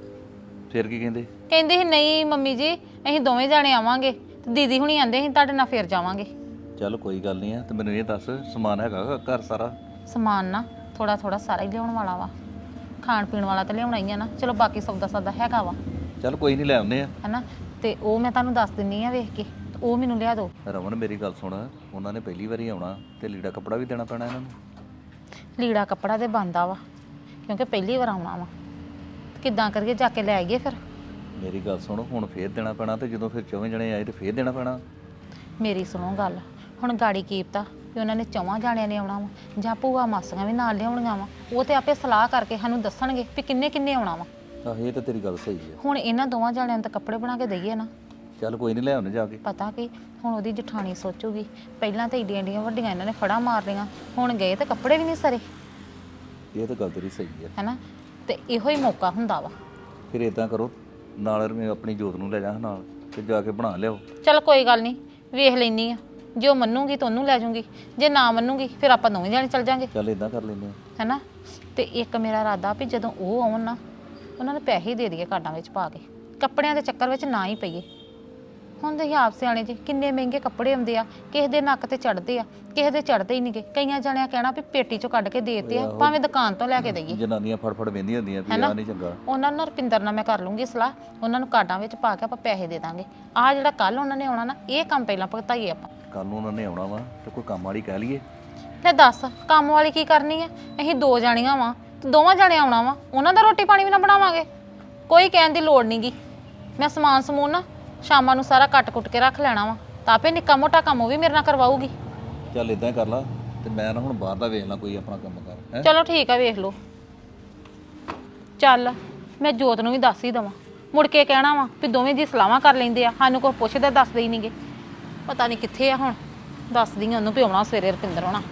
ਫਿਰ ਕੀ ਕਹਿੰਦੇ? ਕਹਿੰਦੇ ਸੀ ਨਹੀਂ ਮੰਮੀ ਜੀ, ਅਸੀਂ 2 ਜਾਣੇ ਆਵਾਂਗੇ, ਤੇ ਦੀਦੀ ਹੁਣੀ ਆਂਦੇ ਸੀ ਤੁਹਾਡੇ ਨਾਲ ਫੇਰ ਜਾਵਾਂਗੇ। ਚੱਲ ਕੋਈ ਗੱਲ ਨਹੀਂ ਆ, ਤੇ ਮੈਨੂੰ ਇਹ ਦੱਸ ਸਮਾਨ ਹੈਗਾ ਘਰ ਸਾਰਾ? ਸਮਾਨ ਨਾ ਥੋੜਾ ਥੋੜਾ ਸਾਰਾ ਹੀ ਲਿਆਉਣ ਵਾਲਾ ਵਾ, ਖਾਣ ਪੀਣ ਵਾਲਾ ਤਾਂ ਲਿਆਉਣਾ ਹੀ ਆ ਨਾ। ਚਲੋ ਬਾਕੀ ਸੌਦਾ ਸਾਦਾ ਹੈਗਾ ਵਾ, ਚੱਲ ਕੋਈ ਨਹੀਂ ਲੈ ਆਉਂਦੇ ਆ। ਹਨਾ, ਤੇ ਉਹ ਮੈਂ ਤੁਹਾਨੂੰ ਦੱਸ ਦਿੰਨੀ ਆ ਵੇਖ ਕੇ, ਉਹ ਮੈਨੂੰ ਲਿਆ ਦਿਓ। ਰਮਨ ਮੇਰੀ ਗੱਲ ਸੁਣ, ਉਹਨਾਂ ਨੇ ਪਹਿਲੀ ਵਾਰੀ ਆਉਣਾ, ਤੇ ਲੀੜਾ ਕੱਪੜਾ ਵੀ ਦੇਣਾ ਪੈਣਾ ਇਹਨਾਂ ਨੂੰ। ਲੀੜਾ ਕੱਪੜਾ ਤੇ ਬਣਦਾ ਵਾ, ਕਿਉਂਕਿ ਪਹਿਲੀ ਵਾਰ ਆਉਣਾ ਵਾ। ਕਿੱਦਾਂ ਕਰੀਏ, ਜਾ ਕੇ ਲੈ ਆਈਏ ਫਿਰ? ਮੇਰੀ ਗੱਲ ਸੁਣ, ਹੁਣ ਫੇਰ ਦੇਣਾ ਪੈਣਾ, ਤੇ ਜਦੋਂ ਫਿਰ 4 ਜਣੇ ਆਏ ਤੇ ਫੇਰ ਦੇਣਾ ਪੈਣਾ। ਮੇਰੀ ਸੁਣੋ ਗੱਲ, ਹੁਣ ਗਾੜੀ ਕੀਪਤਾ ਵੀ ਉਹਨਾਂ ਨੇ 4 ਜਾਣਿਆਂ ਨੇ ਆਉਣਾ ਵਾ, ਜਾਂ ਭੂਆ ਮਾਸੀਆਂ ਵੀ ਨਾਲ ਲਿਆਉਣੀਆਂ ਵਾ। ਉਹ ਤੇ ਆਪੇ ਸਲਾਹ ਕਰਕੇ ਸਾਨੂੰ ਦੱਸਣਗੇ ਵੀ ਕਿੰਨੇ ਕਿੰਨੇ ਆਉਣਾ ਵਾ। ਆਹ ਇਹ ਤਾਂ ਤੇਰੀ ਗੱਲ ਸਹੀ ਹੈ। ਹੁਣ ਇਹਨਾਂ 2 ਜਾਣਿਆਂ ਨੂੰ ਤਾਂ ਕੱਪੜੇ ਬਣਾ ਕੇ ਦਈਏ ਨਾ। ਚੱਲ ਕੋਈ ਨਹੀਂ ਲੈ ਆਉਂਦੇ ਜਾ ਕੇ। ਪਤਾ ਕੀ, ਹੁਣ ਉਹਦੀ ਜਠਾਣੀ ਸੋਚੂਗੀ ਪਹਿਲਾਂ ਤਾਂ ਏਡੀਆਂ ਏਡੀਆਂ ਵੱਡੀਆਂ ਇਹਨਾਂ ਨੇ ਫੜਾਂ ਮਾਰ ਲਈਆਂ, ਹੁਣ ਗਏ ਤੇ ਕੱਪੜੇ ਵੀ ਨਹੀਂ ਸਰੇ। ਇਹ ਤਾਂ ਗੱਲ ਤੇਰੀ ਸਹੀ ਹੈ। ਹੈਨਾ, ਤੇ ਇਹੋ ਹੀ ਮੌਕਾ ਹੁੰਦਾ ਵਾ। ਫਿਰ ਇਦਾਂ ਕਰੋ, ਨਾਲ ਮੈਂ ਆਪਣੀ ਜੋਤ ਨੂੰ ਲੈ ਜਾ ਨਾਲ, ਤੇ ਜਾ ਕੇ ਬਣਾ ਲਿਆਓ। ਚਲ ਕੋਈ ਗੱਲ ਨਹੀਂ, ਵੇਖ ਲੈਣੀ ਆ ਜੇ ਉਹ ਮੰਨੂਗੀ ਤਾਂ ਉਹਨੂੰ ਲੈ ਜਾਊਂਗੀ, ਜੇ ਨਾ ਮੰਨੂਗੀ ਫਿਰ ਆਪਾਂ ਦੋਵੇਂ ਜਾਣੇ ਚੱਲ ਜਾਾਂਗੇ, ਚੱਲ ਇਦਾਂ ਕਰ ਲੈਂਦੇ ਆ। ਹੈਨਾ। ਤੇ ਇੱਕ ਮੇਰਾ ਇਰਾਦਾ ਵੀ ਜਦੋਂ ਉਹ ਆਉਣ ਨਾ ਉਹਨਾਂ ਨੂੰ ਪੈਸੇ ਹੀ ਦੇ ਦਈਏ ਕਾਰਡਾਂ ਵਿੱਚ ਪਾ ਕੇ, ਕੱਪੜਿਆਂ ਦੇ ਚੱਕਰ ਵਿੱਚ ਨਾ ਹੀ ਪਈਏ। ਹੁਣ ਤੁਸੀਂ ਆਪ ਸਿਆਣੇ ਜੀ, ਕਿੰਨੇ ਮਹਿੰਗੇ ਕੱਪੜੇ ਆਉਂਦੇ ਆ, ਕਿਸੇ ਦੇ ਨੱਕ ਤੇ ਚੜਦੇ ਆ, ਕਿਸੇ ਦੇ ਚੜਦੇ ਹੀ ਨਹੀਂਗੇ। ਕਈਆਂ ਜਣਿਆਂ ਕਹਿਣਾ ਵੀ ਪੇਟੀ ਚੋਂ ਕੱਢ ਕੇ ਦੇਤੇ ਆ, ਭਾਵੇਂ ਦੁਕਾਨ ਤੋਂ ਲੈ ਕੇ ਦਈਏ। ਜਨਾਨੀਆਂ ਫੜਫੜ ਵੇਂਦੀਆਂ ਹੁੰਦੀਆਂ ਵੀ ਆ ਨਹੀਂ ਚੰਗਾ। ਉਹਨਾਂ ਨਾਲ ਰੁਪਿੰਦਰ ਨਾਲ ਮੈਂ ਕਰ ਲੂੰਗੀ ਸਲਾਹ, ਉਹਨਾਂ ਨੂੰ ਕਾਰਡਾਂ ਵਿੱਚ ਪਾ ਕੇ ਆਪਾਂ ਪੈਸੇ ਦੇ ਦਾਂਗੇ। ਆਹ ਜਿਹੜਾ ਕੱਲ ਉਹਨਾਂ ਨੇ ਆਉਣਾ ਨਾ, ਇਹ ਕੰਮ ਪਹਿਲਾਂ ਭੁਗਤਾਈਏ ਆਪਾਂ। ਕੱਲ ਨੂੰ ਉਹਨਾਂ ਨੇ ਆਉਣਾ ਵਾ ਤੇ ਕੋਈ ਕੰਮ ਵਾਲੀ ਕਹਿ ਲਈਏ। ਲੈ ਦੱਸ, ਕੰਮ ਵਾਲੀ ਕੀ ਕਰਨੀ ਆ? ਅਸੀਂ 2 ਜਾਣੀਆਂ ਵਾਂ ਤੇ ਦੋਵਾਂ ਜਾਣੇ ਆਉਣਾ ਵਾ, ਉਹਨਾਂ ਦਾ ਰੋਟੀ ਪਾਣੀ ਵੀ ਨਾ ਬਣਾਵਾਂਗੇ। ਕੋਈ ਕਹਿਣ ਦੀ ਲੋੜ ਨਹੀਂਗੀ। ਮੈਂ ਸਮਾਨ ਸਮੂਨ ਨਾ ਸ਼ਾਮਾਂ ਨੂੰ ਸਾਰਾ ਕੱਟ-ਕੁੱਟ ਕੇ ਰੱਖ ਲੈਣਾ ਵਾ, ਤਾਂ ਆਪੇ ਨਿੱਕਾ ਮੋਟਾ ਕੰਮ ਉਹ ਵੀ ਮੇਰੇ ਨਾਲ ਕਰਵਾਊਗੀ। ਚੱਲ ਇਦਾਂ ਕਰ ਲਾ, ਤੇ ਮੈਂ ਨਾ ਹੁਣ ਬਾਹਰ ਦਾ ਵੇਖ ਲਾਂ ਕੋਈ ਆਪਣਾ ਕੰਮ ਕਰ ਹੈ। ਚਲੋ ਠੀਕ ਆ, ਵੇਖ ਲਓ। ਚੱਲ ਮੈਂ ਜੋਤ ਨੂੰ ਵੀ ਦੱਸ ਹੀ ਦਵਾਂ, ਮੁੜ ਕੇ ਕਹਿਣਾ ਵਾ ਵੀ ਦੋਵੇਂ ਜੀ ਸਲਾਹਾਂ ਕਰ ਲੈਂਦੇ ਆ, ਸਾਨੂੰ ਕੋਈ ਪੁੱਛਦਾ ਦੱਸਦੇ ਹੀ ਨਹੀਂਗੇ। ਪਤਾ ਨਹੀਂ ਕਿੱਥੇ ਆ ਹੁਣ, ਦੱਸਦੀ ਆ ਉਹਨੂੰ ਵੀ ਆਉਣਾ ਸਵੇਰੇ ਰੁਪਿੰਦਰ ਹੋਣਾ।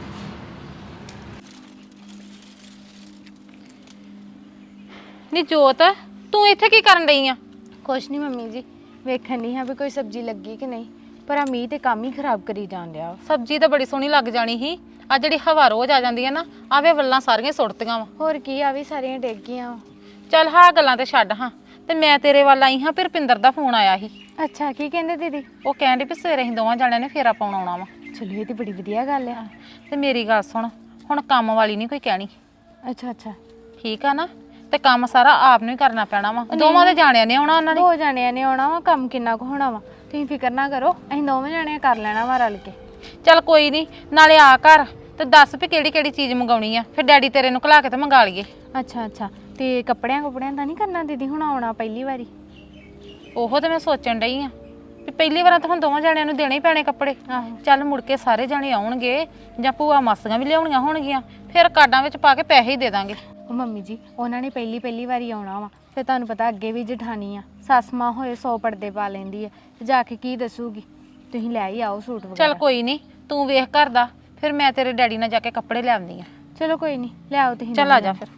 ਨੀ ਜੋਤ, ਤੂੰ ਇੱਥੇ ਕੀ ਕਰਨ ਡਈ ਆ? ਕੁਛ ਨਹੀਂ ਮੰਮੀ ਜੀ, ਵੇਖਣ ਨਹੀਂ ਹਾਂ ਵੀ ਕੋਈ ਸਬਜ਼ੀ ਲੱਗੀ ਕਿ ਨਹੀਂ, ਪਰ ਆ ਮੀਂਹ ਤੇ ਕੰਮ ਹੀ ਖਰਾਬ ਕਰੀ ਜਾਣ ਡਿਆ ਵਾ। ਸਬਜ਼ੀ ਤਾਂ ਬੜੀ ਸੋਹਣੀ ਲੱਗ ਜਾਣੀ ਸੀ, ਆ ਜਿਹੜੀ ਹਵਾ ਰੋਜ਼ ਆ ਜਾਂਦੀ ਹੈ ਨਾ, ਆਵੇ ਵੱਲਾਂ ਸਾਰੀਆਂ ਸੁੱਟਤੀਆਂ ਵਾ। ਹੋਰ ਕੀ, ਆ ਵੀ ਸਾਰੀਆਂ ਡਿੱਗ ਗਈਆਂ ਵਾ। ਚੱਲ ਹਾਂ ਗੱਲਾਂ ਤੇ ਛੱਡ ਹਾਂ, ਤੇ ਮੈਂ ਤੇਰੇ ਵੱਲ ਆਈ ਹਾਂ, ਫਿਰ ਰੁਪਿੰਦਰ ਦਾ ਫੋਨ ਆਇਆ ਸੀ। ਅੱਛਾ, ਕੀ ਕਹਿੰਦੇ ਦੀਦੀ? ਉਹ ਕਹਿੰਦੇ ਵੀ ਸਵੇਰੇ ਅਸੀਂ ਦੋਵਾਂ ਜਾਣਿਆਂ ਨੇ ਫੇਰਾ ਪਾਉਣ ਆਉਣਾ ਵਾ। ਚਲੋ ਇਹ ਤੇ ਬੜੀ ਵਧੀਆ ਗੱਲ ਆ। ਤੇ ਮੇਰੀ ਗੱਲ ਸੁਣ, ਹੁਣ ਕੰਮ ਵਾਲੀ ਨਹੀਂ ਕੋਈ ਕਹਿਣੀ, ਅੱਛਾ ਅੱਛਾ, ਠੀਕ ਆ ਨਾ? ਤੇ ਕੰਮ ਸਾਰਾ ਆਪ ਨੂੰ ਹੀ ਕਰਨਾ ਪੈਣਾ ਵਾ, ਦੋਵਾਂ ਦੇ ਜਾਣਿਆਂ ਨੇ ਆਉਣਾ ਉਹਨਾਂ ਨੇ। 2 ਜਾਣਿਆਂ ਨੇ ਆਉਣਾ ਵਾ, ਕੰਮ ਕਿੰਨਾ ਕੁ ਹੋਣਾ ਵਾ, ਤੁਸੀਂ ਫਿਕਰ ਨਾ ਕਰੋ, ਅਸੀਂ 2 ਜਾਣਿਆਂ ਕਰ ਲੈਣਾ ਵਾ ਰਲ ਕੇ। ਚੱਲ ਕੋਈ ਨਹੀਂ, ਨਾਲੇ ਆ ਘਰ ਤੇ ਦੱਸ ਵੀ ਕਿਹੜੀ ਕਿਹੜੀ ਚੀਜ਼ ਮੰਗਾਉਣੀ ਆ, ਫਿਰ ਡੈਡੀ ਤੇਰੇ ਨੂੰ ਘਲਾ ਕੇ ਤੇ ਮੰਗਾ ਲਈਏ। ਅੱਛਾ ਅੱਛਾ, ਤੇ ਕੱਪੜਿਆਂ ਦਾ ਨਹੀਂ ਕਰਨਾ ਦੀਦੀ? ਹੁਣ ਆਉਣਾ ਪਹਿਲੀ ਵਾਰੀ। ਉਹੋ ਤੇ ਮੈਂ ਸੋਚਣ ਡਈ ਆ ਵੀ ਪਹਿਲੀ ਵਾਰ ਤਾਂ ਹੁਣ ਦੋਵਾਂ ਜਾਣਿਆਂ ਨੂੰ ਦੇਣੇ ਹੀ ਪੈਣੇ ਕੱਪੜੇ। ਚੱਲ ਮੁੜ ਕੇ ਸਾਰੇ ਜਾਣੇ ਆਉਣਗੇ ਜਾਂ ਭੂਆ ਮਾਸੀਆਂ ਵੀ ਲਿਆਉਣੀਆਂ ਹੋਣਗੀਆਂ, ਫਿਰ ਕਾਰਡਾਂ ਵਿੱਚ ਪਾ ਕੇ ਪੈਸੇ ਹੀ ਦੇ ਦਾਂਗੇ। ਉਹ ਮੰਮੀ ਜੀ, ਉਹਨਾਂ ਨੇ ਪਹਿਲੀ ਵਾਰੀ ਆਉਣਾ ਵਾ, ਫਿਰ ਤੁਹਾਨੂੰ ਪਤਾ ਅੱਗੇ ਵੀ ਜਠਾਣੀ ਆ, ਸੱਸ ਮਾਂ ਹੋਏ 100 ਪਰਦੇ ਪਾ ਲੈਂਦੀ ਹੈ, ਤੇ ਜਾ ਕੇ ਕੀ ਦੱਸੂਗੀ। ਤੁਸੀਂ ਲੈ ਹੀ ਆਓ ਸੂਟ ਵਗੈਰਾ। ਚੱਲ ਕੋਈ ਨਹੀਂ, ਤੂੰ ਵੇਖ ਘਰ ਦਾ, ਫਿਰ ਮੈਂ ਤੇਰੇ ਡੈਡੀ ਨਾਲ ਜਾ ਕੇ ਕੱਪੜੇ ਲੈ ਆਉਂਦੀ ਆ। ਚਲੋ ਕੋਈ ਨਹੀਂ, ਲੈ ਆਓ ਤੁਸੀਂ। ਚੱਲ ਆ ਜਾ ਫਿਰ।